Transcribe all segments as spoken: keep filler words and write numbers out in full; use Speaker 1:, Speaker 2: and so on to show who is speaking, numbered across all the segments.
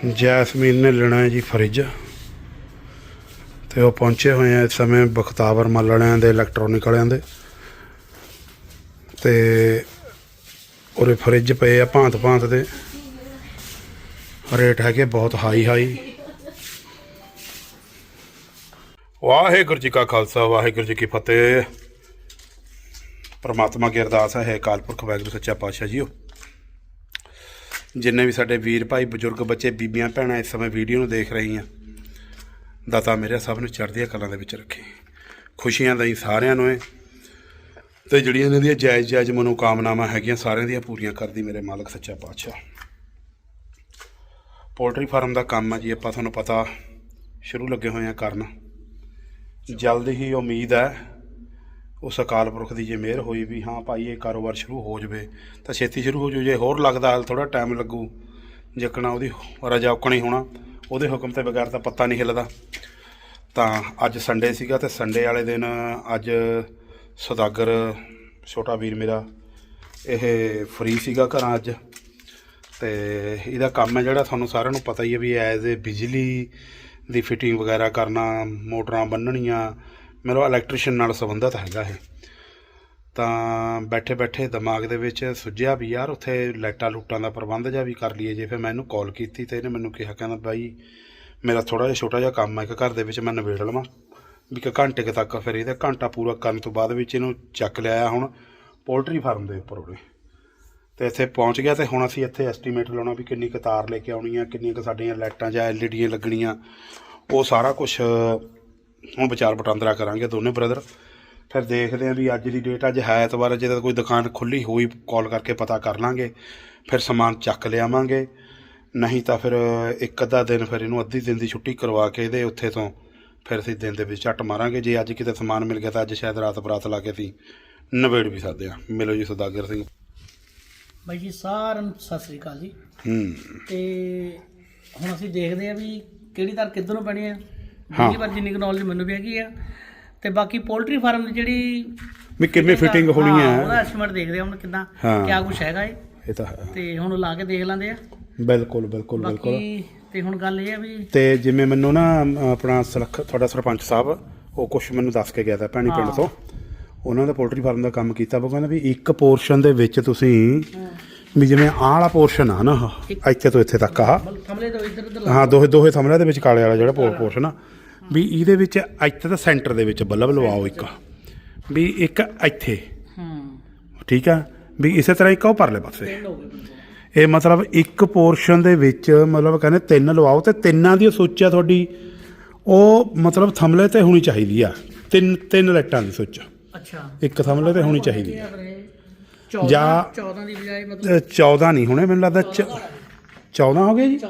Speaker 1: Jasmine ਨੇ ਲੈਣਾ ਹੈ ਜੀ ਫਰਿੱਜ, ਤੇ ਉਹ ਪਹੁੰਚੇ ਹੋਏ ਆ ਇਸ ਸਮੇਂ ਬਖਤਾਵਰ ਮੱਲ ਵਾਲਿਆਂ ਦੇ ਇਲੈਕਟ੍ਰੋਨਿਕ ਵਾਲਿਆਂ ਦੇ, ਤੇ ਉਰੇ ਫਰਿੱਜ ਪਏ ਆ ਭਾਂਤ ਭਾਂਤ ਦੇ, ਰੇਟ ਹੈਗੇ ਬਹੁਤ ਹਾਈ ਹਾਈ। ਵਾਹਿਗੁਰੂ ਜੀ ਕਾ ਖਾਲਸਾ ਵਾਹਿਗੁਰੂ ਜੀ ਕੀ ਫਤਿਹ। परमात्मा की अरदास है अकाल पुरख वाहिगुरू सच्चा पातशाह जीओ, जिन्ने भी साडे वीर भाई बजुर्ग बच्चे बीबियां भैणां इस समय वीडियो में देख रही हैं, दाता मेरे सब नूं चढ़दियां कलां दे विच रखे, खुशियां दई सारियां नूं ते जिहड़ियां इन्हां दियां जायज़ जायज़ मनोकामनावां हैगियां सारियां दियां पूरियां करदी मेरे मालक सच्चा पातशाह। पोल्ट्री फार्म का काम है जी, आपां तुहानूं पता शुरू लगे हुए हैं करन, जल्द ही उम्मीद है उस अकाल पुरख की जे मेहर हुई भी हाँ भाई ये कारोबार शुरू हो जाए तो छेती शुरू हो जाए, जे होर लगता थोड़ा टाइम लगू जिकना वो रजा उकणी होना वो हुक्म के बगैर तो पत्ता नहीं हिलदा। तो अज संडे सीगा ते संडे वाले दिन अज सौदागर छोटा वीर मेरा ये फ्री सीगा घर अज, तो यदा काम है जोड़ा थानू सारिਆਂ ਨੂੰ पता ही है भी एज ए बिजली की फिटिंग वगैरह करना, मोटरां बन्नणियां, मेरा इलैक्ट्रीशियन नाल संबंधित हैगा है। तो बैठे बैठे दिमाग दे विच सुझिया भी यार उत्थे लाइटां लूटां दा प्रबंध जिहा भी कर लीए जे। फिर मैं इहनूं कॉल कीती ते इहने मैनूं कहा कहंदा बाई मेरा थोड़ा जिहा छोटा जिहा काम है, एक घर दे विच मैं नवेड़ लवां भी कि घंटे के तक, फिर इहदा घंटा पूरा करन तो बाद विच इहनूं चक लिया हुण पोल्ट्री फार्म दे उपर उरे ते इत्थे पहुँच गया। तो हुण असीं इत्थे एस्टीमेट लाउणा भी किन्नी क तार लेके आउणी आ, किन्नियां क साडीਆਂ लाइटां जां एल ई डी लगणीਆਂ, वो सारा कुछ ਹੁਣ ਵਿਚਾਰ ਵਟਾਂਦਰਾ ਕਰਾਂਗੇ ਦੋਨੇ ਬ੍ਰਦਰ। ਫਿਰ ਦੇਖਦੇ ਹਾਂ ਵੀ ਅੱਜ ਦੀ ਡੇਟ ਅੱਜ ਹੈ ਐਤਵਾਰ, ਜੇ ਕੋਈ ਦੁਕਾਨ ਖੁੱਲ੍ਹੀ ਹੋਈ ਕਾਲ ਕਰਕੇ ਪਤਾ ਕਰ ਲਾਂਗੇ, ਫਿਰ ਸਮਾਨ ਚੱਕ ਲਿਆਵਾਂਗੇ, ਨਹੀਂ ਤਾਂ ਫਿਰ ਇੱਕ ਅੱਧਾ ਦਿਨ ਫਿਰ ਇਹਨੂੰ ਅੱਧੀ ਦਿਨ ਦੀ ਛੁੱਟੀ ਕਰਵਾ ਕੇ ਇਹਦੇ ਉੱਥੇ ਤੋਂ ਫਿਰ ਅਸੀਂ ਦਿਨ ਦੇ ਵਿੱਚ ਝੱਟ ਮਾਰਾਂਗੇ। ਜੇ ਅੱਜ ਕਿਤੇ ਸਮਾਨ ਮਿਲ ਗਿਆ ਤਾਂ ਅੱਜ ਸ਼ਾਇਦ ਰਾਤ ਬਰਾਤ ਲਾ ਕੇ ਅਸੀਂ ਨਵੇੜ ਵੀ ਸਕਦੇ ਹਾਂ। ਮਿਲੋ ਜੀ ਸੌਦਾਗਰ ਸਿੰਘ
Speaker 2: ਬਾਈ ਜੀ, ਸਾਰਿਆਂ ਨੂੰ ਸਤਿ ਸ੍ਰੀ ਅਕਾਲ ਜੀ।
Speaker 1: ਹੂੰ
Speaker 2: ਤੇ ਹੁਣ ਅਸੀਂ ਦੇਖਦੇ ਹਾਂ ਵੀ ਕਿਹੜੀ ਤਾਰ ਕਿੱਧਰ ਨੂੰ ਪੈਣੀ ਆ। ਹਾਂ ਪਰ ਜਿੰਨੀ ਨੌਲੇਜ ਮੈਨੂੰ ਵੀ ਹੈਗੀ ਆ, ਤੇ ਬਾਕੀ ਪੋਲਟਰੀ ਫਾਰਮ ਦੀ ਜਿਹੜੀ
Speaker 1: ਵੀ ਕਿਵੇਂ ਫਿਟਿੰਗ ਹੋਣੀ ਹੈ
Speaker 2: ਉਹਦਾ ਐਸਟੀਮੇਟ ਦੇਖਦੇ ਹਾਂ ਹੁਣ ਕਿੱਦਾਂ ਕਿਆ ਕੁਛ ਹੈਗਾ ਇਹ
Speaker 1: ਇਹ ਤਾਂ ਹੈ,
Speaker 2: ਤੇ ਹੁਣ ਲਾ ਕੇ ਦੇਖ ਲੈਂਦੇ ਆ।
Speaker 1: ਬਿਲਕੁਲ ਬਿਲਕੁਲ ਬਿਲਕੁਲ।
Speaker 2: ਤੇ ਹੁਣ ਗੱਲ ਇਹ ਆ ਵੀ
Speaker 1: ਤੇ ਜਿਵੇਂ ਮੈਨੂੰ ਨਾ ਆਪਣਾ ਸਲਖ ਤੁਹਾਡਾ ਸਰਪੰਚ ਸਾਹਿਬ ਉਹ ਕੁਛ ਮੈਨੂੰ ਦੱਸ ਕੇ ਗਿਆ ਤਾਂ ਭੈਣੀ ਪਿੰਡ ਤੋਂ, ਉਹਨਾਂ ਦਾ ਪੋਲਟਰੀ ਫਾਰਮ ਦਾ ਕੰਮ ਕੀਤਾ। ਉਹ ਕਹਿੰਦਾ ਵੀ ਇੱਕ ਪੋਰਸ਼ਨ ਦੇ ਵਿੱਚ ਤੁਸੀਂ ਵੀ ਜਿਵੇਂ ਆਹ ਵਾਲਾ ਪੋਰਸ਼ਨ ਆ ਨਾ, ਇੱਥੇ ਤੋਂ ਇੱਥੇ ਤੱਕ ਆ
Speaker 2: ਥਮਲੇ ਤੋਂ ਇੱਧਰ ਉੱਧਰ
Speaker 1: ਹਾਂ ਦੋਹੇ ਦੋਹੇ ਥਮਲਿਆਂ ਦੇ ਵਿੱਚ ਕਾਲੇ ਵਾਲਾ ਜਿਹੜਾ ਪੋਰਸ਼ਨ ਆ, ਵੀ ਇਹਦੇ ਵਿੱਚ ਇੱਥੇ ਤਾਂ ਸੈਂਟਰ ਦੇ ਵਿੱਚ ਬੱਲਬ ਲਵਾਓ ਇੱਕ, ਵੀ ਇੱਕ ਇੱਥੇ, ਠੀਕ ਆ, ਵੀ ਇਸੇ ਤਰ੍ਹਾਂ ਇੱਕ ਉਹ ਪਰਲੇ ਪਾਸੇ। ਇਹ ਮਤਲਬ ਇੱਕ ਪੋਰਸ਼ਨ ਦੇ ਵਿੱਚ ਮਤਲਬ ਕਹਿੰਦੇ ਤਿੰਨ ਲਵਾਓ, ਤੇ ਤਿੰਨਾਂ ਦੀ ਸੁੱਚ ਆ ਤੁਹਾਡੀ ਉਹ ਮਤਲਬ ਥਮਲੇ ਤੇ ਹੋਣੀ ਚਾਹੀਦੀ ਆ, ਤਿੰਨ ਤਿੰਨ ਲਾਈਟਾਂ ਦੀ ਸੁੱਚ
Speaker 2: ਅੱਛਾ ਇੱਕ
Speaker 1: ਥਮਲੇ ਤੇ ਹੋਣੀ ਚਾਹੀਦੀ ਆ।
Speaker 2: ਜਾਂ ਚੌਦਾਂ ਦੀ ਬਜਾਏ ਮਤਲਬ
Speaker 1: ਚੌਦਾਂ ਨਹੀਂ ਹੋਣੇ ਮੈਨੂੰ ਲੱਗਦਾ, ਚੌਦਾਂ ਹੋ ਗਏ ਜੀ।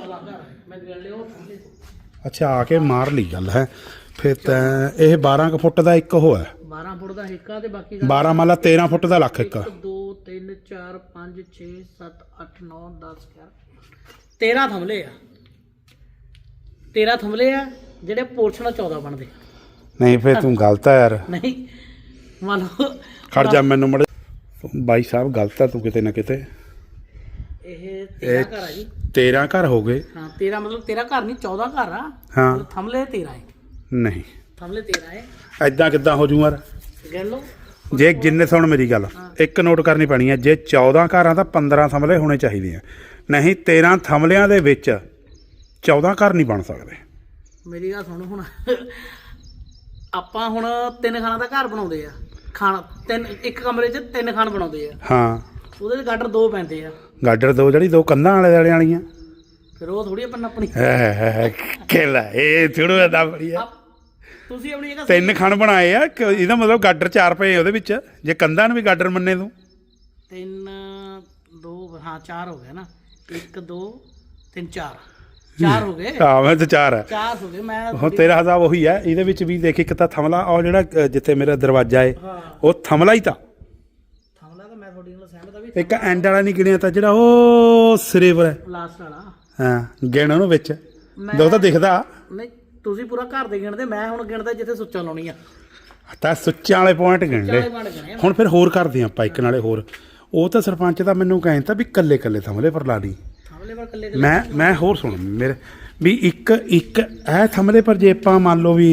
Speaker 1: ਅੱਛਾ ਆ ਕੇ ਮਾਰ ਲਈ ਗੱਲ ਹੈ ਫਿਰ ਤਾਂ ਇਹ ਬਾਰਾਂ ਕੁ ਫੁੱਟ ਦਾ ਇੱਕ ਉਹ ਹੈ,
Speaker 2: ਬਾਰਾਂ ਫੁੱਟ ਦਾ ਇੱਕ ਆ, ਤੇ ਬਾਕੀ
Speaker 1: ਬਾਰਾਂ ਮੰਨ ਲਾ ਤੇਰਾਂ ਫੁੱਟ ਦਾ ਲੱਖ ਇੱਕ।
Speaker 2: ਦੋ ਤਿੰਨ ਚਾਰ ਪੰਜ ਛੇ ਸੱਤ ਅੱਠ ਨੌ ਦਸ ਗਿਆਰਾਂ ਤੇਰਾਂ ਥਮਲੇ ਆ, ਤੇਰਾਂ ਥਮਲੇ ਆ ਜਿਹੜੇ ਪੋਰਸ਼ਨ ਚੌਦਾਂ ਬਣਦੇ। ਨਹੀਂ
Speaker 1: ਫਿਰ ਤੂੰ ਗਲਤ ਆ ਯਾਰ,
Speaker 2: ਨਹੀਂ ਮੰਨ ਲਓ
Speaker 1: ਖੜ ਜਾ ਮੈਨੂੰ ਮੜ ਬਾਈ ਸਾਹਿਬ ਗਲਤ ਆ ਤੂੰ ਕਿਤੇ ਨਾ ਕਿਤੇ।
Speaker 2: ਇਹ ਤੇਰਾਂ ਘਰ ਆ ਜੀ,
Speaker 1: ਤੇਰਾਂ ਘਰ ਹੋ ਗਏ।
Speaker 2: ਹਾਂ ਤੇਰਾਂ ਮਤਲਬ ਤੇਰਾਂ ਘਰ ਨਹੀਂ ਚੌਦਾਂ ਘਰ ਆ।
Speaker 1: ਹਾਂ
Speaker 2: ਥਮਲੇ ਤੇਰਾਂ ਹੈ,
Speaker 1: ਨਹੀਂ
Speaker 2: ਥਮਲੇ ਤੇਰਾਂ ਹੈ।
Speaker 1: ਐਦਾਂ ਕਿੱਦਾਂ ਹੋ ਜੂ ਯਾਰ,
Speaker 2: ਗਿਣ ਲਓ
Speaker 1: ਜੇ ਜਿੰਨੇ ਸੁਣ ਮੇਰੀ ਗੱਲ ਇੱਕ ਨੋਟ ਕਰਨੀ ਪੈਣੀ ਹੈ, ਜੇ ਚੌਦਾਂ ਘਰਾਂ ਤਾਂ ਪੰਦਰਾਂ ਥਮਲੇ ਹੋਣੇ ਚਾਹੀਦੇ ਆ, ਨਹੀਂ ਤੇਰਾਂ ਥਮਲਿਆਂ ਦੇ ਵਿੱਚ ਚੌਦਾਂ ਘਰ ਨਹੀਂ ਬਣ ਸਕਦੇ।
Speaker 2: ਮੇਰੀ ਗੱਲ ਸੁਣ, ਹੁਣ ਆਪਾਂ ਹੁਣ ਤਿੰਨ ਖਾਣਾ ਦਾ ਘਰ ਬਣਾਉਂਦੇ ਆ, ਖਾਣਾ ਤਿੰਨ ਇੱਕ ਕਮਰੇ 'ਚ ਤਿੰਨ ਖਾਣ ਬਣਾਉਂਦੇ ਆ।
Speaker 1: ਹਾਂ
Speaker 2: ਉਹਦੇ 'ਚ ਗਾਡਰ ਦੋ ਪੈਂਦੇ ਆ,
Speaker 1: ਗਾਡਰ ਦੋ ਜਿਹੜੀ ਦੋ ਕੰਧਾਂ ਵਾਲੇ ਵਾਲੇ ਵਾਲੀਆਂ,
Speaker 2: ਫਿਰ ਉਹ ਥੋੜੀ ਆਪਾਂ ਆਪਣੀ
Speaker 1: ਕਿਲਾ ਇਹ ਥੋੜਾ ਦਾ ਬੜੀ ਆ।
Speaker 2: ਤੁਸੀਂ ਆਪਣੀ ਜਗ੍ਹਾ
Speaker 1: ਤਿੰਨ ਖਣ ਬਣਾਏ ਆ, ਇਹਦਾ ਮਤਲਬ ਗਾਡਰ ਚਾਰ ਪਏ ਉਹਦੇ ਵਿੱਚ, ਜੇ ਕੰਧਾਂ ਨੂੰ ਵੀ ਗਾਡਰ ਮੰਨੇ ਤੂੰ।
Speaker 2: ਤਿੰਨ ਦੋ ਹਾਂ ਚਾਰ ਹੋ ਗਏ ਨਾ, ਇੱਕ ਦੋ ਤਿੰਨ ਚਾਰ ਚਾਰ ਹੋ ਗਏ।
Speaker 1: ਹਾਂ ਮੈਂ ਤਾਂ ਚਾਰ ਹੈ,
Speaker 2: ਚਾਰ ਹੋ ਗਏ। ਮੈਂ
Speaker 1: ਹੁਣ ਤੇਰਾ ਹਿਸਾਬ ਉਹੀ ਹੈ, ਇਹਦੇ ਵਿੱਚ ਵੀ ਦੇਖ ਇੱਕ ਤਾਂ ਥਮਲਾ ਉਹ ਜਿਹੜਾ ਜਿੱਥੇ ਮੇਰਾ ਦਰਵਾਜ਼ਾ ਹੈ ਉਹ ਥਮਲਾ ਹੀ ਤਾਂ
Speaker 2: ਥਮਲਾ ਤਾਂ ਮੈਂ ਤੁਹਾਡੀ ਨਾਲ ਸਹਿਮਤ ਆ ਵੀ
Speaker 1: ਇੱਕ ਐਂਡ ਵਾਲਾ ਨਹੀਂ ਗਿਣਿਆ ਤਾਂ ਜਿਹੜਾ ਉਹ ਸਿਰੇ ਪਰ ਹੈ
Speaker 2: ਲਾਸਟ ਵਾਲਾ।
Speaker 1: ਹਾਂ ਗਿਣ ਉਹਨੂੰ ਵਿੱਚ ਦੋ ਤਾਂ ਦਿਖਦਾ
Speaker 2: ਨਹੀਂ, ਤੁਸੀਂ ਪੂਰਾ ਘਰ ਦੇ ਗਿਣਦੇ, ਮੈਂ ਹੁਣ ਗਿਣਦਾ ਜਿੱਥੇ ਸੁੱਚਾਂ ਲਾਉਣੀ ਆ
Speaker 1: ਤਾਂ ਸੁੱਚਾਂ ਵਾਲੇ ਪੁਆਇੰਟ ਗਿਣ ਲੈ। ਹੁਣ ਫਿਰ ਹੋਰ ਕਰਦੇ ਆਪਾਂ ਇੱਕ ਨਾਲੇ ਹੋਰ, ਉਹ ਤਾਂ ਸਰਪੰਚ ਦਾ ਮੈਨੂੰ ਕਹਿੰਦਾ ਵੀ ਕੱਲੇ ਕੱਲੇ ਥਮਲੇ ਪਰ ਲਾ ਲਈ,
Speaker 2: ਥਮਲੇ ਪਰ ਕੱਲੇ
Speaker 1: ਮੈਂ ਮੈਂ ਹੋਰ ਸੁਣ ਮੇਰੇ ਵੀ ਇੱਕ ਇੱਕ ਇਹ ਥਮਲੇ ਪਰ ਜੇ ਆਪਾਂ ਮੰਨ ਲਓ ਵੀ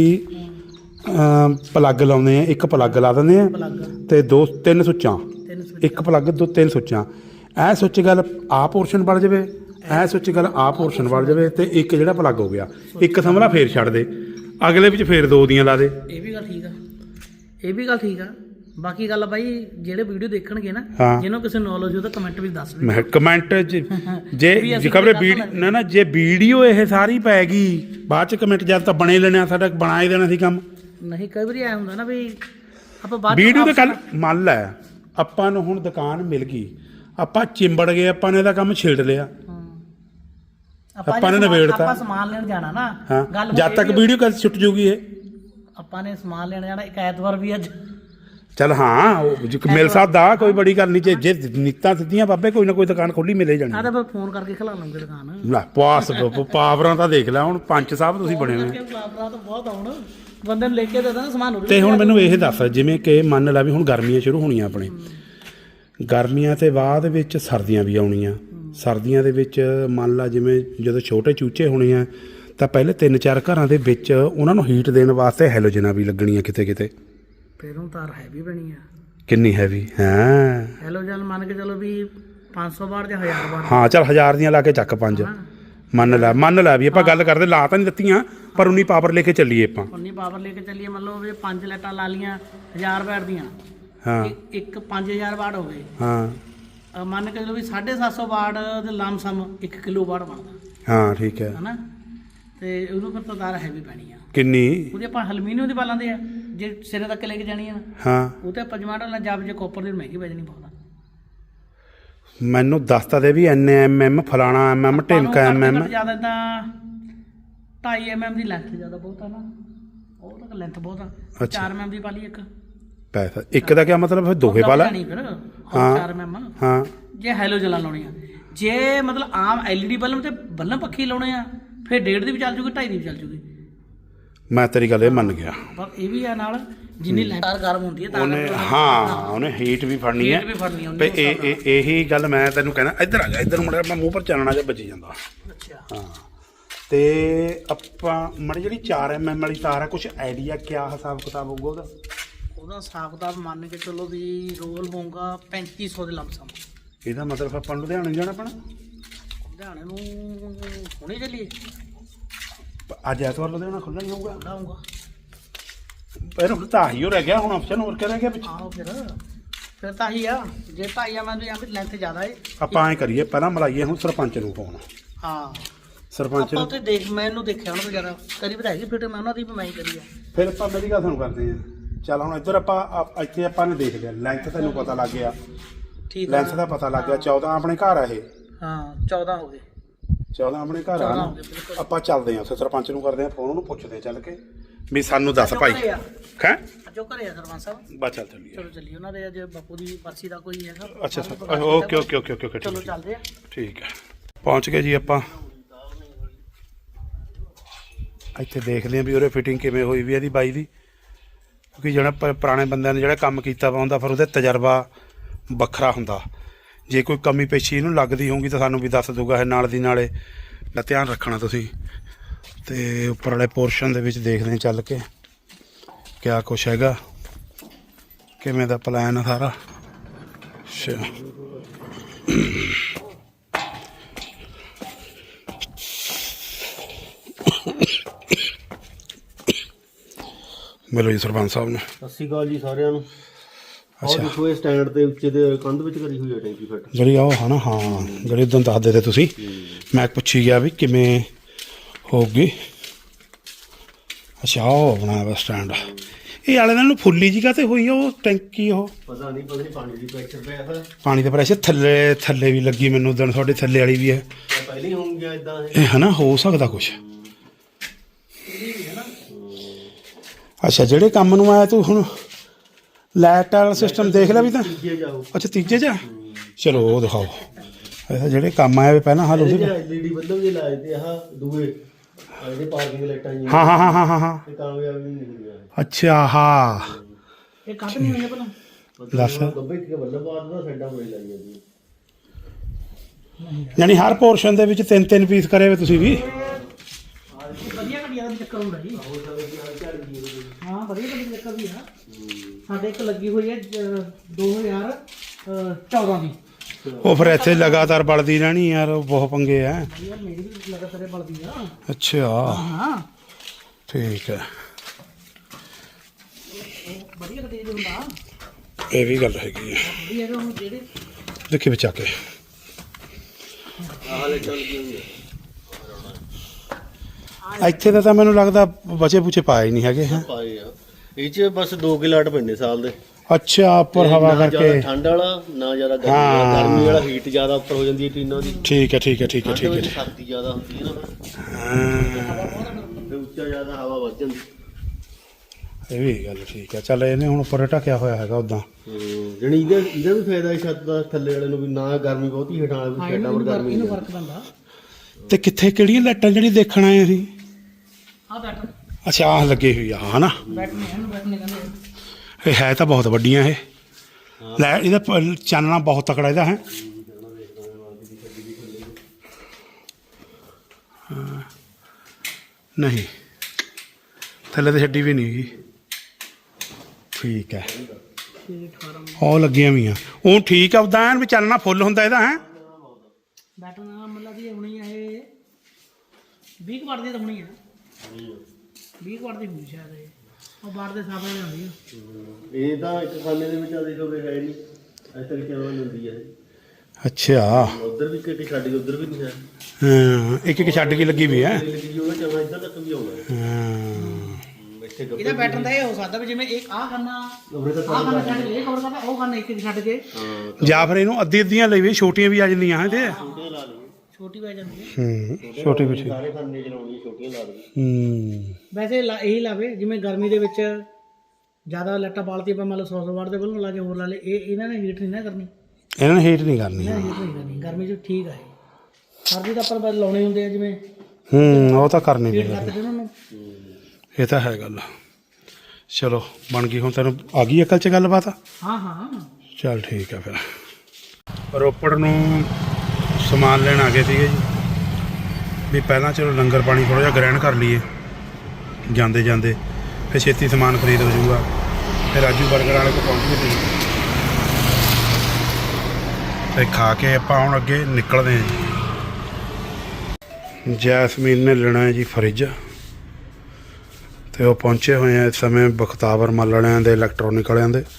Speaker 1: ਪਲੱਗ ਲਾਉਂਦੇ ਆ, ਇੱਕ ਪਲੱਗ ਲਾ ਦਿੰਦੇ ਆ ਤੇ ਦੋ ਤਿੰਨ ਸੁੱਚਾਂ, ਇੱਕ ਪਲੱਗ ਦੋ ਤਿੰਨ ਸੁੱਚਾਂ, ਇਹ ਸੁੱਚ ਗੱਲ ਆਹ ਪੋਰਸ਼ਨ ਬਣ ਜਾਵੇ, ਇਹ ਸੁੱਚ ਗੱਲ ਆਹ ਪੋਰਸ਼ਨ ਬਣ ਜਾਵੇ ਤੇ ਇੱਕ ਜਿਹੜਾ ਪਲੱਗ ਹੋ ਗਿਆ, ਇੱਕ ਥਮਲਾ ਫੇਰ ਛੱਡ ਦੇ, ਅਗਲੇ ਵਿੱਚ ਫੇਰ ਦੋ ਦੀਆਂ ਲਾ ਦੇ।
Speaker 2: ਇਹ ਵੀ ਗੱਲ ਠੀਕ ਆ, ਇਹ ਵੀ ਗੱਲ ਠੀਕ ਆ। ਬਾਕੀ ਗੱਲ ਬਾਈ ਜਿਹੜੇ ਵੀਡੀਓ ਦੇਖਣਗੇ ਨਾ, ਜਿਹਨੂੰ ਕਿਸੇ ਨੌਲੇਜ ਹੋ ਤਾਂ ਕਮੈਂਟ ਵਿੱਚ ਦੱਸ ਦਿਓ।
Speaker 1: ਮੈਂ ਕਮੈਂਟ ਜੇ ਖਬਰੇ ਵੀਡੀਓ ਨਾ ਨਾ ਜੇ ਵੀਡੀਓ ਇਹ ਸਾਰੀ ਪੈ ਗਈ ਬਾਅਦ ਚ ਕਮੈਂਟ ਜਦ ਤਾਂ ਬਣੇ ਲੈਣਾ, ਸਾਡਾ ਬਣਾ ਹੀ ਦੇਣਾ ਸੀ ਕੰਮ।
Speaker 2: ਨਹੀਂ ਕਈ ਵਾਰੀ ਐ ਹੁੰਦਾ ਨਾ ਵੀ ਆਪਾਂ ਬਾਅਦ
Speaker 1: ਵੀਡੀਓ ਤੇ ਕੱਲ ਮੰਨ ਲੈ ਆਪਾਂ ਨੂੰ ਹੁਣ ਦੁਕਾਨ ਮਿਲ ਗਈ, ਆਪਾਂ ਚਿੰਬੜ ਗਏ, ਆਪਾਂ ਨੇ ਇਹਦਾ ਕੰਮ ਛੇੜ ਲਿਆ, ਆਪਾਂ ਨੇ ਨਵੇੜਤਾ।
Speaker 2: ਆਪਾਂ ਸਮਾਨ ਲੈਣ ਜਾਣਾ ਨਾ,
Speaker 1: ਗੱਲ ਜਦ ਤੱਕ ਵੀਡੀਓ ਕਦ ਛੁੱਟ ਜੂਗੀ ਇਹ,
Speaker 2: ਆਪਾਂ ਨੇ ਸਮਾਨ ਲੈਣ ਜਾਣਾ ਇੱਕ ਐਤਵਾਰ ਵੀ ਅੱਜ
Speaker 1: ਚੱਲ ਹਾਂ ਮਿਲ ਸਕਦਾ, ਕੋਈ ਬੜੀ ਗੱਲ ਨਹੀਂ। ਜੇ ਨੀਤਾਂ ਸਿੱਧੀਆਂ ਬਾਬੇ ਕੋਈ ਨਾ ਕੋਈ ਦੁਕਾਨ ਖੋਲੀ ਮਿਲੇ ਜਾਣੀ।
Speaker 2: ਆ ਤਾਂ ਫਿਰ ਫੋਨ ਕਰਕੇ ਖਿਲਾ ਲਵਾਂਗੇ ਦੁਕਾਨ।
Speaker 1: ਲੈ ਪਾਸ ਪਾਵਰਾਂ ਤਾਂ ਦੇਖ ਲੈ ਹੁਣ, ਪੰਚ ਸਾਹਿਬ ਤੁਸੀਂ ਬਣੇ ਹੋਏ।
Speaker 2: ਪਾਵਰਾਂ ਤਾਂ ਬਹੁਤ ਆਉਣ ਬੰਦੇ ਨੂੰ ਲੈ ਕੇ ਦੇ ਦੇਣਾ ਸਮਾਨ।
Speaker 1: ਤੇ ਹੁਣ ਮੈਨੂੰ ਇਹ ਦੱਸ, ਜਿਵੇਂ ਕਿ ਮੰਨ ਲਾ ਵੀ ਹੁਣ ਗਰਮੀਆਂ ਸ਼ੁਰੂ ਹੋਣੀਆਂ ਆਪਣੇ, ਗਰਮੀਆਂ ਤੇ ਬਾਅਦ ਵਿੱਚ ਸਰਦੀਆਂ ਵੀ ਆਉਣੀਆਂ। ਸਰਦੀਆਂ ਦੇ ਵਿੱਚ ਮੰਨ ਲਾ ਜਿਵੇਂ ਜਦੋਂ ਛੋਟੇ ਚੂਚੇ ਹੋਣੇ ਆ ਤਾਂ ਪਹਿਲੇ ਤਿੰਨ ਚਾਰ ਘਰਾਂ ਦੇ ਵਿੱਚ ਉਹਨਾਂ ਨੂੰ ਹੀਟ ਦੇਣ ਵਾਸਤੇ ਹੈਲੋਜਨਾਂ ਵੀ ਲੱਗਣੀਆਂ ਕਿਤੇ ਕਿਤੇ।
Speaker 2: ਫਿਰ ਉਹ ਤਾਰ ਹੈਵੀ ਬਣੀ ਆ।
Speaker 1: ਕਿੰਨੀ ਹੈਵੀ? ਹਾਂ
Speaker 2: ਹੈਲੋਜਨ ਮੰਨ ਕੇ ਚਲੋ ਵੀ ਪੰਜ ਸੌ ਵਾਟ ਜਾਂ ਹਜ਼ਾਰ ਵਾਟ।
Speaker 1: ਹਾਂ ਚੱਲ ਹਜ਼ਾਰ ਦੀਆਂ ਲਾ ਕੇ ਚੱਕ ਪੰਜ, ਮੰਨ ਲੈ ਮੰਨ ਲੈ ਵੀ ਆਪਾਂ ਗੱਲ ਕਰਦੇ, ਲਾ ਤਾਂ ਨਹੀਂ ਦਿੱਤੀਆਂ ਪਰ ਉਨੀ ਪਾਵਰ ਲੈ ਕੇ ਚੱਲੀਏ ਆਪਾਂ।
Speaker 2: ਉਨੀ ਪਾਵਰ ਲੈ ਕੇ ਚੱਲੀਏ, ਮੰਨ ਲਓ ਵੀ ਪੰਜ ਲਾਈਟਾਂ ਲਾ ਲੀਆਂ ਹਜ਼ਾਰ ਵਾਟ ਦੀਆਂ।
Speaker 1: ਹਾਂ
Speaker 2: ਇੱਕ ਪੰਜ ਹਜ਼ਾਰ ਵਾਟ ਹੋ ਗਏ।
Speaker 1: ਹਾਂ
Speaker 2: ਮੰਨ ਕੇ ਚਲੋ ਵੀ ਸਾਢੇ ਸੱਤ ਸੌ ਵਾਟ ਦੇ ਲਮਸਮ ਇੱਕ ਕਿਲੋ ਵਾਟ ਬਣਦਾ।
Speaker 1: ਹਾਂ ਠੀਕ ਹੈ
Speaker 2: ਹਨਾ, ਤੇ ਉਹਨੂੰ ਫਿਰ ਤਾਂ ਤਾਰ ਹੈਵੀ ਪੈਣੀ ਆ।
Speaker 1: ਕਿੰਨੀ?
Speaker 2: ਉਹਦੇ ਆਪਾਂ ਐਲੂਮੀਨੀਅਮ ਦੀ ਪਾ ਲੈਂਦੇ ਆ ਜੇ ਸਿਰੇ ਤੱਕ ਲੈ ਕੇ ਜਾਣੀ ਆ।
Speaker 1: ਹਾਂ
Speaker 2: ਉਹ ਤੇ ਆਪਾਂ ਜਮਾਟਾ ਨਾਲ ਜਾਬ ਜੇ ਕਾਪਰ ਦੀ ਮਹਿੰਗੀ ਪੈ ਜਾਣੀ ਬਹੁਤ।
Speaker 1: ਮੈਨੂੰ ਦੱਸਤਾ ਦੇ ਵੀ ਐਨ ਐਮ ਐਮ ਫਲਾਣਾ ਐਮ ਐਮ ਢਿਮਕਾ ਐਮ ਐਮ
Speaker 2: ਜ਼ਿਆਦਾ ਤਾਂ ਢਾਈ ਐਮ ਐਮ ਦੀ ਲੈਂਥ ਜ਼ਿਆਦਾ ਬਹੁਤ ਆ ਨਾ, ਉਹ ਤਾਂ ਲੈਂਥ ਬਹੁਤ ਆ। ਚਾਰ ਐਮ ਐਮ ਦੀ ਪਾ ਲਈ ਇੱਕ
Speaker 1: ਪੈਸਾ ਇੱਕ ਦਾ ਕੀ ਮਤਲਬ ਫਿਰ ਦੋਹੇ ਪਾ ਲੈ।
Speaker 2: ਹਾਂ ਚਾਰ ਐਮ ਐਮ। ਹਾਂ ਜੇ ਹੈਲੋਜਨ ਲਾਉਣੀ ਆ, ਜੇ ਮਤਲਬ ਆਮ ਐਲਈਡੀ ਬਲਬ ਤੇ ਬਲਬ ਪੱਖੀ ਲਾਉਣੇ ਆ ਫਿਰ ਡੇਢ ਦੀ ਵੀ ਚੱਲ ਜੂਗੀ, ਢਾਈ ਦੀ ਵੀ ਚੱਲ ਜੂਗੀ।
Speaker 1: ਮੈਂ ਤੇਰੀ ਗੱਲ ਇਹ ਮੰਨ ਗਿਆ,
Speaker 2: ਪਰ ਇਹ ਵੀ ਆ ਨਾਲ ਜਿੰਨੀ ਤਾਰ ਗਰਮ ਹੁੰਦੀ ਹੈ ਤਾਂ
Speaker 1: ਉਹਨੇ ਹਾਂ ਉਹਨੇ ਹੀਟ ਵੀ ਫੜਨੀ ਹੈ। ਤੇ ਇਹ ਇਹੀ ਗੱਲ ਮੈਂ ਤੈਨੂੰ ਕਹਿਣਾ, ਇੱਧਰ ਆ ਜਾ, ਇੱਧਰ ਮੁੜਿਆ ਮੈਂ ਮੂੰਹ ਪਰ ਚਾਨਣਾ ਜਿਹਾ ਬਚੀ ਜਾਂਦਾ।
Speaker 2: ਅੱਛਾ
Speaker 1: ਹਾਂ ਤੇ ਆਪਾਂ ਮੜੀ ਜਿਹੜੀ ਚਾਰ ਐਮ ਐਮ ਵਾਲੀ ਤਾਰ ਆ, ਕੁਛ ਆਈਡੀਆ ਕਿਆ ਹਿਸਾਬ ਕਿਤਾਬ ਹੋਊਗਾ ਉਹਦਾ?
Speaker 2: ਉਹਦਾ ਹਿਸਾਬ ਕਿਤਾਬ ਮੰਨ ਕੇ ਚਲੋ ਵੀ ਰੋਲ ਹੋਊਗਾ ਪੈਂਤੀ ਸੌ ਦੇ ਲਮਸਮ।
Speaker 1: ਇਹਦਾ ਮਤਲਬ ਆਪਾਂ ਨੂੰ ਲੁਧਿਆਣੇ ਜਾਣਾ ਪੈਣਾ।
Speaker 2: ਲੁਧਿਆਣੇ ਨੂੰ ਹੁਣੇ ਚੱਲੀਏ?
Speaker 1: ਅੱਜ ਐਤਵਾਰ ਲੁਧਿਆਣਾ ਖੁੱਲ੍ਹਾ ਨਹੀਂ ਹੋਊਗਾ?
Speaker 2: ਲਾਉਂਗਾ
Speaker 1: ਫਿਰ ਹੁਣ ਤਾਂ ਹੀ ਹੋ ਰਹਿ ਗਿਆ, ਹੁਣ ਆਪਸ਼ਨ ਹੋਰ ਕਿਆ ਰਹਿ ਗਿਆ ਪਿੱਛੇ?
Speaker 2: ਆਹੋ ਫਿਰ ਫਿਰ ਤਾਂ ਹੀ ਆ, ਜੇ ਢਾਈ ਆ ਮੈਂ ਜਾਂ ਵੀ ਲੈਂਥ ਜ਼ਿਆਦਾ ਏ।
Speaker 1: ਆਪਾਂ ਐਂ ਕਰੀਏ ਪਹਿਲਾਂ ਮਲਾਈਏ ਹੁਣ ਸਰਪੰਚ ਨੂੰ ਫੋਨ।
Speaker 2: ਹਾਂ
Speaker 1: ਸਰਪੰਚ
Speaker 2: ਨੂੰ ਤੇ ਦੇਖ ਮੈਂ ਇਹਨੂੰ ਦੇਖਿਆ ਉਹਨਾਂ ਤੋਂ ਜ਼ਿਆਦਾ ਕਰੀ ਵਧਾਈ ਫਿਰ ਮੈਂ ਉਹਨਾਂ ਦੀ ਵੀ ਮੈਂ ਹੀ ਕਰੀ ਆ।
Speaker 1: ਫਿਰ ਆਪਾਂ ਮੇਰੀ ਗੱਲ ਤੁਹਾਨੂੰ ਕਰਦੇ ਆ, ਚੱਲ ਹੁਣ ਇੱਧਰ ਆਪਾਂ ਆ- ਇੱਥੇ ਆਪਾਂ ਨੇ ਦੇਖ ਲਿਆ ਲੈਂਥ, ਤੈਨੂੰ ਪਤਾ ਲੱਗ ਗਿਆ
Speaker 2: ਠੀਕ
Speaker 1: ਲੈਂਥ ਦਾ ਪਤਾ ਲੱਗ ਗਿਆ। ਚੌਦਾਂ ਆਪਣੇ ਘਰ ਆ ਇਹ।
Speaker 2: ਹਾਂ ਚੌਦਾਂ ਹੋ ਗਏ,
Speaker 1: ਚੌਦਾਂ ਆਪਣੇ ਘਰ ਆ ਨਾ। ਆਪਾਂ ਚੱਲਦੇ ਆ ਉੱਥੇ ਸਰਪੰਚ ਨੂੰ ਕਰਦੇ ਆ ਫੋਨ, ਉਹਨੂੰ ਪੁੱਛਦੇ ਆ ਚੱਲ ਕੇ ਵੀ ਸਾਨੂੰ ਦੱਸ ਭਾਈ। ਹੈ
Speaker 2: ਜੋ ਘਰੇ ਆ ਸਰਪੰਚ ਸਾਹਿਬ।
Speaker 1: ਬਸ ਚੱਲ ਚੱਲੀਏ।
Speaker 2: ਚਲੋ ਚੱਲੀਏ, ਉਹਨਾਂ ਦੇ ਅੱਜ ਬਾਪੂ ਦੀ ਪਰਚੀ ਦਾ ਕੋਈ ਹੈਗਾ।
Speaker 1: ਅੱਛਾ sir okay okay okay okay okay
Speaker 2: ਚਲੋ ਚੱਲਦੇ ਆ।
Speaker 1: ਠੀਕ ਹੈ ਪਹੁੰਚ ਗਏ ਜੀ ਆਪਾਂ। ਇੱਥੇ ਦੇਖਦੇ ਆ ਵੀ ਉਹਦੇ ਫਿਟਿੰਗ ਕਿਵੇਂ ਹੋਈ ਵੀ ਇਹਦੀ ਬਾਈ ਦੀ, ਕਿਉਂਕਿ ਜਿਹੜਾ ਪ- ਪੁਰਾਣੇ ਬੰਦਿਆਂ ਨੇ ਜਿਹੜਾ ਕੰਮ ਕੀਤਾ ਵਾ ਹੁੰਦਾ ਫਿਰ ਉਹਦਾ ਤਜਰਬਾ ਵੱਖਰਾ ਹੁੰਦਾ। ਜੇ ਕੋਈ ਕਮੀ ਪੇਸ਼ੀ ਇਹਨੂੰ ਲੱਗਦੀ ਹੋਊਗੀ ਤਾਂ ਸਾਨੂੰ ਵੀ ਦੱਸ ਦੂਗਾ ਇਹ ਨਾਲ ਦੀ ਨਾਲੇ, ਦਾ ਧਿਆਨ ਰੱਖਣਾ ਤੁਸੀਂ। ਤੇ ਉੱਪਰ ਵਾਲੇ ਪੋਰਸ਼ਨ ਦੇ ਵਿੱਚ ਦੇਖਦੇ ਹਾਂ ਚੱਲ ਕੇ ਕਿਆ ਕੁਛ ਹੈਗਾ, ਕਿਵੇਂ ਦਾ ਪਲਾਨ ਆ ਸਾਰਾ। ਅੱਛਾ ਮਿਲੋ ਜੀ ਸਰਪੰਚ ਸਾਹਿਬ ਨੂੰ।
Speaker 3: ਸਤਿ ਸ਼੍ਰੀ ਅਕਾਲ ਜੀ ਸਾਰਿਆਂ ਨੂੰ। ਆਹ ਦੇਖੋ ਇਹ ਸਟੈਂਡ ਦੇ ਉੱਚੇ ਦੇ ਕੰਧ ਵਿੱਚ ਕਰੀ ਹੋਈ ਹੈ ਟੈਂਕੀ ਫਿੱਟ,
Speaker 1: ਜਿਹੜੀ ਉਹ ਹੈ ਨਾ। ਹਾਂ ਜਿਹੜੀ ਉਦੋਂ ਦੱਸਦੇ ਤੇ ਤੁਸੀਂ, ਮੈਂ ਪੁੱਛੀ ਗਿਆ ਵੀ ਕਿਵੇਂ ਹੋਊਗੀ। ਅੱਛਾ ਉਹ ਬਣਾਇਆ ਵਾ ਸਟੈਂਡ। ਇਹ ਆਲੇ ਨਾਲ ਨੂੰ ਫੁੱਲੀ ਜੀ ਕਾਤੇ ਹੋਈ ਆ ਉਹ ਟੈਂਕੀ? ਉਹ
Speaker 3: ਪਤਾ ਨਹੀਂ ਪਤਾ ਨਹੀਂ ਪਾਣੀ ਦੀ ਪ੍ਰੈਸ਼ਰ ਪਿਆ ਫਿਰ,
Speaker 1: ਪਾਣੀ ਦਾ ਪ੍ਰੈਸ਼ਰ ਥੱਲੇ ਥੱਲੇ ਵੀ ਲੱਗੀ ਮੈਨੂੰ ਉਦੋਂ, ਤੁਹਾਡੇ ਥੱਲੇ ਵਾਲੀ ਵੀ ਹੈ।
Speaker 3: ਪਹਿਲਾਂ ਹੀ ਹੋਊਗਾ ਇਦਾਂ
Speaker 1: ਇਹ ਹੈ ਨਾ, ਹੋ ਸਕਦਾ ਕੁਛ। ਅੱਛਾ ਜਿਹੜੇ ਕੰਮ ਨੂੰ ਆਇਆ ਤੂੰ ਹੁਣ ਲਾਈਟ ਵਾਲਾ ਸਿਸਟਮ ਦੇਖ ਲਿਆ ਵੀ ਤਾਂ?
Speaker 3: ਤੀਜੇ ਜਾਓ।
Speaker 1: ਅੱਛਾ ਤੀਜੇ 'ਚ। ਚਲੋ ਉਹ ਦਿਖਾਓ ਇਹ ਜਿਹੜੇ ਕੰਮ ਆਏ ਪਹਿਲਾਂ ਹਾਲ ਉਹਦੇ।
Speaker 3: ਐਲਈਡੀ ਬੱਲਬ ਜੇ ਲਾਏ ਤੇ ਆਹ ਦੂਏ ਜਿਹੜੇ ਪਾਰਕਿੰਗ ਲਾਈਟਾਂ ਜੀ।
Speaker 1: ਹਾਂ ਹਾਂ ਹਾਂ ਹਾਂ ਹਾਂ ਹਾਂ
Speaker 3: ਇਹ ਕਾਮਯਾਬ ਨਹੀਂ ਹੋਈਆਂ।
Speaker 1: ਅੱਛਾ ਹਾਂ
Speaker 2: ਇਹ ਕੱਟ ਨਹੀਂ ਹੋਈਆਂ ਪਹਿਲਾਂ?
Speaker 1: ਦੱਸ।
Speaker 3: ਗੱਬੇ ਕਿ ਬੱਲਬ ਬਾਅਦ ਦਾ ਸਾਡਾ ਬੜੀ ਲਾਈ ਜੀ।
Speaker 1: ਯਾਨੀ ਹਰ ਪੋਰਸ਼ਨ ਦੇ ਵਿੱਚ ਤਿੰਨ ਤਿੰਨ ਪੀਸ ਕਰੇ ਹੋਏ ਤੁਸੀਂ ਵੀ।
Speaker 2: ਵਧੀਆ ਗੱਡੀਆਂ ਦਾ ਚੱਕਰ ਹੁੰਦਾ ਜੀ। ਹਾਂ ਵਧੀਆ ਗੱਡੀ ਦਾ ਚੱਕਰ ਵੀ ਆ। ਸਾਡੇ ਇੱਕ ਲੱਗੀ ਹੋਈ ਹੈ ਦੋ ਹਜ਼ਾਰ ਚੌਦਾਂ ਦੀ।
Speaker 1: ਉਹ ਫਿਰ ਇੱਥੇ ਲਗਾਤਾਰ ਬਲਦੀ ਰਹਿਣੀ ਯਾਰ, ਉਹ ਬਹੁਤ ਪੰਗੇ ਆ
Speaker 2: ਯਾਰ ਮੇਰੀ ਵੀ ਲਗਾਤਾਰ ਬਲਦੀ ਆ।
Speaker 1: ਅੱਛਾ
Speaker 2: ਹਾਂ
Speaker 1: ਠੀਕ ਹੈ,
Speaker 2: ਵਧੀਆ ਗੱਡੀ ਦੇ ਹੁੰਦਾ।
Speaker 1: ਇਹ ਵੀ ਗੱਲ ਹੈਗੀ ਹੈ।
Speaker 2: ਵਧੀਆ ਹੈਗਾ ਹੁਣ ਜਿਹੜੇ
Speaker 1: ਦੇਖੀ ਬਚਾ ਕੇ ਇੱਥੇ ਤਾਂ ਤਾਂ ਮੈਨੂੰ ਲੱਗਦਾ ਬਚੇ ਪੁੱਛੇ ਪਾਏ ਨਹੀਂ ਹੈਗੇ ਹੈ।
Speaker 3: ਪਾਏ ਆ ਇਹ ਚ ਬਸ ਦੋ ਕਿ ਲਾਟ ਪੈਂਦੇ ਸਾਲ ਦੇ।
Speaker 1: ਅੱਛਾ ਉੱਪਰ ਹਵਾ
Speaker 3: ਨਾ ਜ਼ਿਆਦਾ
Speaker 1: ਕਰਕੇ।
Speaker 3: ਠੰਡ ਵਾਲਾ ਨਾ ਜ਼ਿਆਦਾ ਗਰਮੀ ਵਾਲਾ। ਗਰਮੀ ਵਾਲਾ ਹੀਟ ਜ਼ਿਆਦਾ ਉੱਪਰ ਹੋ ਜਾਂਦੀ ਹੈ ਟੀਨਾਂ ਦੀ।
Speaker 1: ਠੀਕ ਹੈ ਠੀਕ ਹੈ ਠੀਕ ਹੈ ਠੀਕ ਹੈ।
Speaker 3: ਸਰਦੀ ਜ਼ਿਆਦਾ ਹੁੰਦੀ ਹੈ ਨਾ
Speaker 1: ਹਾਂ
Speaker 3: ਤੇ ਉੱਚਾ ਜ਼ਿਆਦਾ ਹਵਾ ਵੱਧ ਜਾਂਦੀ।
Speaker 1: ਇਹ ਵੀ ਗੱਲ ਠੀਕ ਹੈ। ਚੱਲ ਇਹਨੇ ਹੁਣ ਉੱਪਰ ਢਕਿਆ ਹੋਇਆ ਹੈਗਾ ਉਦਾਂ।
Speaker 3: ਜਣੀ ਇਹਦਾ ਇਹਦਾ ਵੀ ਫਾਇਦਾ ਹੈ ਛੱਤ ਦਾ ਥੱਲੇ ਵਾਲੇ ਨੂੰ ਵੀ ਨਾ ਗਰਮੀ ਬਹੁਤੀ ਹੇਠਾਂ ਵਾਲੇ ਵੀ ਛੱਡਾਂ ਪਰ ਗਰਮੀ
Speaker 2: ਇਹਨੂੰ ਫਰਕ ਪੈਂਦਾ।
Speaker 1: ਤੇ ਕਿੱਥੇ ਕਿਹੜੀਆਂ ਲਾਈਟਾਂ ਜਿਹੜੀ ਦੇਖਣ ਆਏ ਅਸੀਂ?
Speaker 2: ਆ ਬੈਠ
Speaker 1: ਅੱਛਾ ਆਹ ਲੱਗੀ ਹੋਈ ਆ ਹਨਾ।
Speaker 2: ਬੈਠਨੇ ਇਹਨੂੰ ਬੈਠਨੇ ਕਹਿੰਦੇ।
Speaker 1: ਇਹ ਹੈ ਤਾਂ ਬਹੁਤ ਵੱਡੀਆਂ ਇਹ ਲੈ, ਇਹਦਾ ਪ- ਚਾਨਣਾ ਬਹੁਤ ਤਕੜਾ ਇਹਦਾ ਹੈ। ਹਾਂ। ਨਹੀਂ ਥੱਲੇ ਤੇ ਛੱਡੀ ਵੀ ਨਹੀਂ ਹੈਗੀ। ਠੀਕ ਹੈ ਉਹ ਲੱਗੀਆਂ ਵੀ ਆ ਉਹ ਠੀਕ ਆ ਉਦਾਂ ਐਨ ਵੀ ਚਾਨਣਾ ਫੁੱਲ ਹੁੰਦਾ ਇਹਦਾ ਹੈ।
Speaker 2: ਬੈਠਣਾ ਮਤਲਬ ਵੀ ਹੋਣੀ ਹੈ ਇਹ ਵੀਹ ਵਾਟ ਦੀ ਤਾਂ ਹੋਣੀ ਹੈ। ਵੀਹ ਵਾਟ ਦੀ ਹੋਣੀ ਸ਼ਾਇਦ ਇਹ। ਉਹ ਬਾਹਰ ਦੇ ਸਾਹਮਣੇ ਆਉਂਦੀ ਹੈ।
Speaker 3: ਇਹ ਤਾਂ ਇੱਕ ਖਾਨੇ ਦੇ ਵਿੱਚ ਆ ਦੇਖੋਗੇ ਹੈ ਨਹੀਂ ਐ ਤੱਕ ਕਿਵੇਂ ਹੁੰਦੀ ਹੈ।
Speaker 1: ਅੱਛਾ
Speaker 3: ਉਧਰ ਵੀ ਕਿਤੇ ਛੱਡ ਕੇ ਉਧਰ ਵੀ ਨਹੀਂ ਹੈ।
Speaker 1: ਹਾਂ ਇੱਕ ਇੱਕ ਛੱਡ ਕੇ ਲੱਗੀ ਵੀ ਹੈ।
Speaker 3: ਲੱਗੀ ਜੀ ਉਹ ਚੰਗਾ ਇੱਧਰ ਤੱਕ ਵੀ ਆਉਣਾ ਹੈ।
Speaker 1: ਹਾਂ
Speaker 3: ਇੱਥੇ
Speaker 2: ਇਹਦਾ ਬੈਠਣ ਦਾ ਇਹ ਹੋ ਸਕਦਾ ਵੀ ਜਿਵੇਂ ਇੱਕ ਆਹ ਖਾਨਾ
Speaker 3: ਉਰੇ ਤਾਂ
Speaker 2: ਆਹ ਖਾਨਾ ਛੱਡ ਕੇ ਇਹ ਕਵਰ ਕਰਦਾ, ਉਹ ਖਾਨਾ ਇੱਕ ਇੱਕ ਛੱਡ ਕੇ
Speaker 3: ਹਾਂ
Speaker 1: ਜਾਂ ਫਿਰ ਇਹਨੂੰ ਅੱਧੀ ਅੱਧੀਆਂ ਲਈ ਵੀ ਛੋਟੀਆਂ ਵੀ ਆ ਜਾਂਦੀਆਂ ਇਹਦੇ।
Speaker 3: ਛੋਟੀਆਂ ਲਾ ਲਈਏ।
Speaker 2: ਛੋਟੀ ਪੈ ਜਾਂਦੀ ਹੈ।
Speaker 1: ਹੂੰ ਛੋਟੀ ਵੀ ਠੀਕ।
Speaker 3: ਸਾਰੇ ਖਾਨੇ ਚਲਾਉਣੀ ਛੋਟੀਆਂ ਲਾ ਲਈਏ।
Speaker 1: ਹੂੰ
Speaker 2: ਵੈਸੇ ਲਾ- ਇਹੀ ਲਾਵੇ ਜਿਵੇਂ ਗਰਮੀ ਦੇ ਵਿੱਚ ਜ਼ਿਆਦਾ ਲਾਈਟਾਂ ਬਾਲਤੀ ਆਪਾਂ ਮੰਨ ਲਓ ਸੌ ਸੌ ਵਾਟ ਦੇ ਬਲਬ ਲਾ ਕੇ ਹੋਰ ਲਾ ਲੇ। ਇਹ ਇਹਨਾਂ ਨੇ ਹੀਟ ਨਹੀਂ ਨਾ ਕਰਨੀ।
Speaker 1: ਇਹਨਾਂ ਨੇ ਹੀਟ ਨਹੀਂ ਕਰਨੀ।
Speaker 2: ਇਹਨਾਂ ਨੇ ਹੀਟ ਨਹੀਂ ਕਰਨੀ ਗਰਮੀ 'ਚ ਠੀਕ ਆ ਇਹ। ਸਰਦੀ ਤਾਂ ਆਪਾਂ ਲਾਉਣੇ ਹੁੰਦੇ ਆ ਜਿਵੇਂ
Speaker 1: ਹੂੰ ਉਹ ਤਾਂ ਕਰਨੀ
Speaker 2: ਹੀਟ
Speaker 1: ਪਈ।
Speaker 2: ਕਰਦੇ ਉਹਨਾਂ ਨੂੰ।
Speaker 1: ਇਹ ਤਾਂ ਹੈ ਗੱਲ। ਚਲੋ ਬਣ ਗਈ ਹੁਣ ਤੈਨੂੰ ਆ ਗਈ ਅਕਲ 'ਚ ਗੱਲਬਾਤ।
Speaker 2: ਹਾਂ ਹਾਂ
Speaker 1: ਚੱਲ ਠੀਕ ਹੈ ਫਿਰ। ਰੋਪੜ ਨੂੰ ਸਮਾਨ ਲੈਣ ਆ ਗਏ ਸੀਗੇ ਜੀ ਵੀ ਪਹਿਲਾਂ ਚਲੋ ਲੰਗਰ ਪਾਣੀ ਥੋੜ੍ਹਾ ਜਿਹਾ ਗ੍ਰਹਿਣ ਕਰ ਲਈਏ ਜਾਂਦੇ ਜਾਂਦੇ, ਫਿਰ ਛੇਤੀ ਸਮਾਨ ਖਰੀਦ ਹੋ ਜਾਊਗਾ। ਫਿਰ ਰਾਜੂ ਬਰਗਰ ਵਾਲੇ ਕੋਲ ਪਹੁੰਚ ਗਏ ਸੀ ਤੇ ਖਾ ਕੇ ਆਪਾਂ ਹੁਣ ਅੱਗੇ ਨਿਕਲਦੇ ਹਾਂ ਜੀ। ਜੈਸਮੀਨ ਨੇ ਲੈਣਾ ਹੈ ਜੀ ਫਰਿੱਜ ਤੇ ਉਹ ਪਹੁੰਚੇ ਹੋਏ ਆ ਇਸ ਸਮੇਂ ਬਖਤਾਵਰ ਮੱਲ ਵਾਲਿਆਂ ਦੇ ਇਲੈਕਟ੍ਰੋਨਿਕ ਵਾਲਿਆਂ ਦੇ।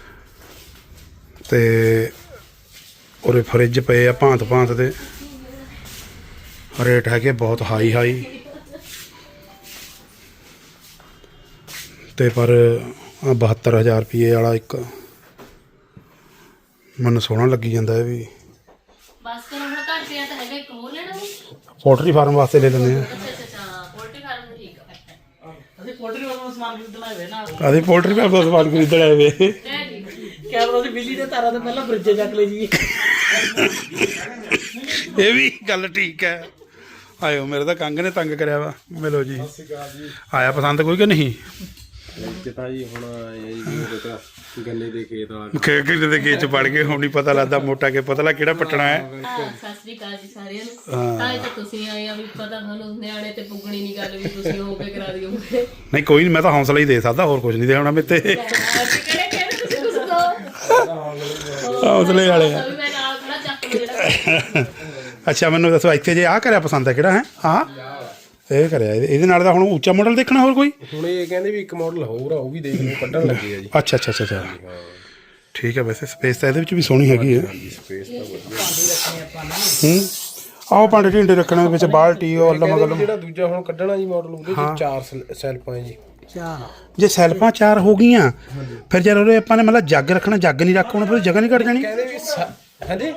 Speaker 1: ਤੇ ਉਰੇ ਫਰਿੱਜ ਪਏ ਆ ਭਾਂਤ ਭਾਂਤ ਦੇ, ਰੇਟ ਹੈਗੇ ਬਹੁਤ ਹਾਈ ਹਾਈ ਤੇ ਪਰ ਬਹੱਤਰ ਹਜ਼ਾਰ ਰੁਪਏ ਵਾਲਾ ਇੱਕ ਮੈਨੂੰ ਸੋਹਣਾ ਲੱਗੀ ਜਾਂਦਾ ਇਹ ਵੀ।
Speaker 4: ਬਸ ਕਰੋ ਹੁਣ ਘਰ ਪਿਆ ਤਾਂ ਹੈਗਾ ਇੱਕ ਹੋਰ ਲੈਣਾ ਵਾ।
Speaker 1: ਪੋਲਟਰੀ ਫਾਰਮ ਵਾਸਤੇ ਲੈ ਲੈਂਦੇ ਆ।
Speaker 4: ਅੱਛਾ ਅੱਛਾ ਅੱਛਾ ਪੋਲਟਰੀ ਫਾਰਮ ਦਾ ਠੀਕ ਆ।
Speaker 2: ਅਸੀਂ ਪੋਲਟਰੀ ਵਾਲਾ ਸਮਾਨ ਖਰੀਦਣਾ ਹੋਵੇ ਨਾ
Speaker 1: ਆਦੇ ਪੋਲਟਰੀ ਫਾਰਮ ਦਾ ਸਮਾਨ ਖਰੀਦਣ ਆਏ ਵੇ।
Speaker 4: ਲੈ ਠੀਕ
Speaker 2: ਕੈਮਰਾ ਦੀ ਬਿਜਲੀ ਦੇ ਤਾਰਾਂ ਤੋਂ ਪਹਿਲਾਂ ਫਰਿੱਜ ਚੱਕ ਲਈ ਜੀ।
Speaker 1: ਇਹ ਵੀ ਗੱਲ ਠੀਕ ਹੈ। ਆਇਓ ਮੇਰੇ ਤਾਂ ਕੰਗ ਨੇ ਤੰਗ ਕਰਿਆ ਵਾ। ਮਿਲੋ ਜੀ। ਆਇਆ ਪਸੰਦ ਕੋਈ ਕਿ ਨਹੀਂ?
Speaker 3: ਤਾਂ ਜੀ ਹੁਣ ਇਹ ਗੰਨੇ ਦੇ ਖੇਤ ਆ
Speaker 1: ਖੇ ਕਿਤੇ ਦੇ ਖੇਤ ਚ ਪੜ ਗਏ ਹੁਣ ਨਹੀਂ ਪਤਾ ਲੱਗਦਾ ਮੋਟਾ ਕਿ ਪਤਲਾ ਕਿਹੜਾ ਪੱਟਣਾ ਹੈ।
Speaker 4: ਆ ਸਤਿ ਸ੍ਰੀ ਅਕਾਲ ਜੀ ਸਾਰਿਆਂ ਨੂੰ। ਤਾਂ ਇਹ ਤਾਂ ਤੁਸੀਂ ਆਏ ਆ ਵੀ ਪਤਾ ਤੁਹਾਨੂੰ ਨਿਆਣੇ ਤੇ ਪੁੱਗਣੀ ਨਹੀਂ ਗੱਲ ਵੀ ਤੁਸੀਂ ਹੋ ਕੇ ਕਰਾ ਦਿਓਗੇ।
Speaker 1: ਨਹੀਂ ਕੋਈ ਨਹੀਂ, ਮੈਂ ਤਾਂ ਹੌਸਲਾ ਹੀ ਦੇ ਸਕਦਾ, ਹੋਰ ਕੁਝ ਨਹੀਂ ਦੇਣਾ ਮੇਰੇ ਤੇ।
Speaker 4: ਅਸੀਂ ਕਿਹੜੇ ਕਹਿੰਦੇ ਤੁਸੀਂ ਕੁਝ ਦੋ
Speaker 1: ਹੌਸਲੇ ਵਾਲੇ ਆ।
Speaker 4: ਵੀ ਮੈਂ ਨਾਲ ਖੜਾ ਚੱਕ ਲਓ ਜਿਹੜਾ।
Speaker 1: ਅੱਛਾ ਮੈਨੂੰ ਦੱਸੋ ਇੱਥੇ ਜੇ ਆਹ ਕਰਿਆ ਪਸੰਦ ਹੈ ਕਿਹੜਾ ਹੈ? ਆਹ ਇਹ ਕਰਿਆ ਇਹਦੇ ਇਹਦੇ ਨਾਲ ਦਾ ਹੁਣ ਉੱਚਾ ਮਾਡਲ ਦੇਖਣਾ ਹੋਰ ਕੋਈ?
Speaker 5: ਹੁਣ ਇਹ ਕਹਿੰਦੇ ਵੀ ਇੱਕ ਮਾਡਲ ਹੋਰ ਆ ਉਹ ਵੀ ਦੇਖ ਲਓ ਕੱਢਣ ਲੱਗੇ ਆ ਜੀ।
Speaker 1: ਅੱਛਾ ਅੱਛਾ ਅੱਛਾ ਅੱਛਾ ਠੀਕ ਹੈ। ਵੈਸੇ ਸਪੇਸ ਤਾਂ ਇਹਦੇ ਵਿੱਚ ਵੀ ਸੋਹਣੀ ਹੈਗੀ ਹੈ।
Speaker 5: ਸਪੇਸ ਤਾਂ ਵਧੀਆ।
Speaker 1: ਹੂੰ ਆਹ ਭਾਂਡੇ ਢਿੰਡੇ ਰੱਖਣੇ ਵਿੱਚ ਬਾਲਟੀ ਉਹ ਅੱਲਮ
Speaker 5: ਕਹਿੰਦੇ
Speaker 1: ਗਲਮ।
Speaker 5: ਵੀ ਜਿਹੜਾ ਦੂਜਾ ਹੁਣ ਕੱਢਣਾ ਜੀ ਮਾਡਲ ਉਹਦੇ ਵਿੱਚ ਚਾਰ ਸੈਲ- ਸੈਲਫਾਂ ਹੈ ਜੀ।
Speaker 2: ਚਾਹ
Speaker 1: ਜੇ ਸੈਲਫਾਂ ਚਾਰ ਹੋ ਗਈਆਂ ਫਿਰ ਜਦ ਉਹਦੇ ਆਪਾਂ ਨੇ ਮਤਲਬ ਜੱਗ ਰੱਖਣਾ, ਜੱਗ ਨਹੀਂ ਰੱਖਣਾ ਫਿਰ ਜਗ੍ਹਾ ਨਹੀਂ ਘੱਟ ਜਾਣੀ।
Speaker 5: ਕਹਿੰਦੇ ਵੀ ਸ- ਹਾਂਜੀ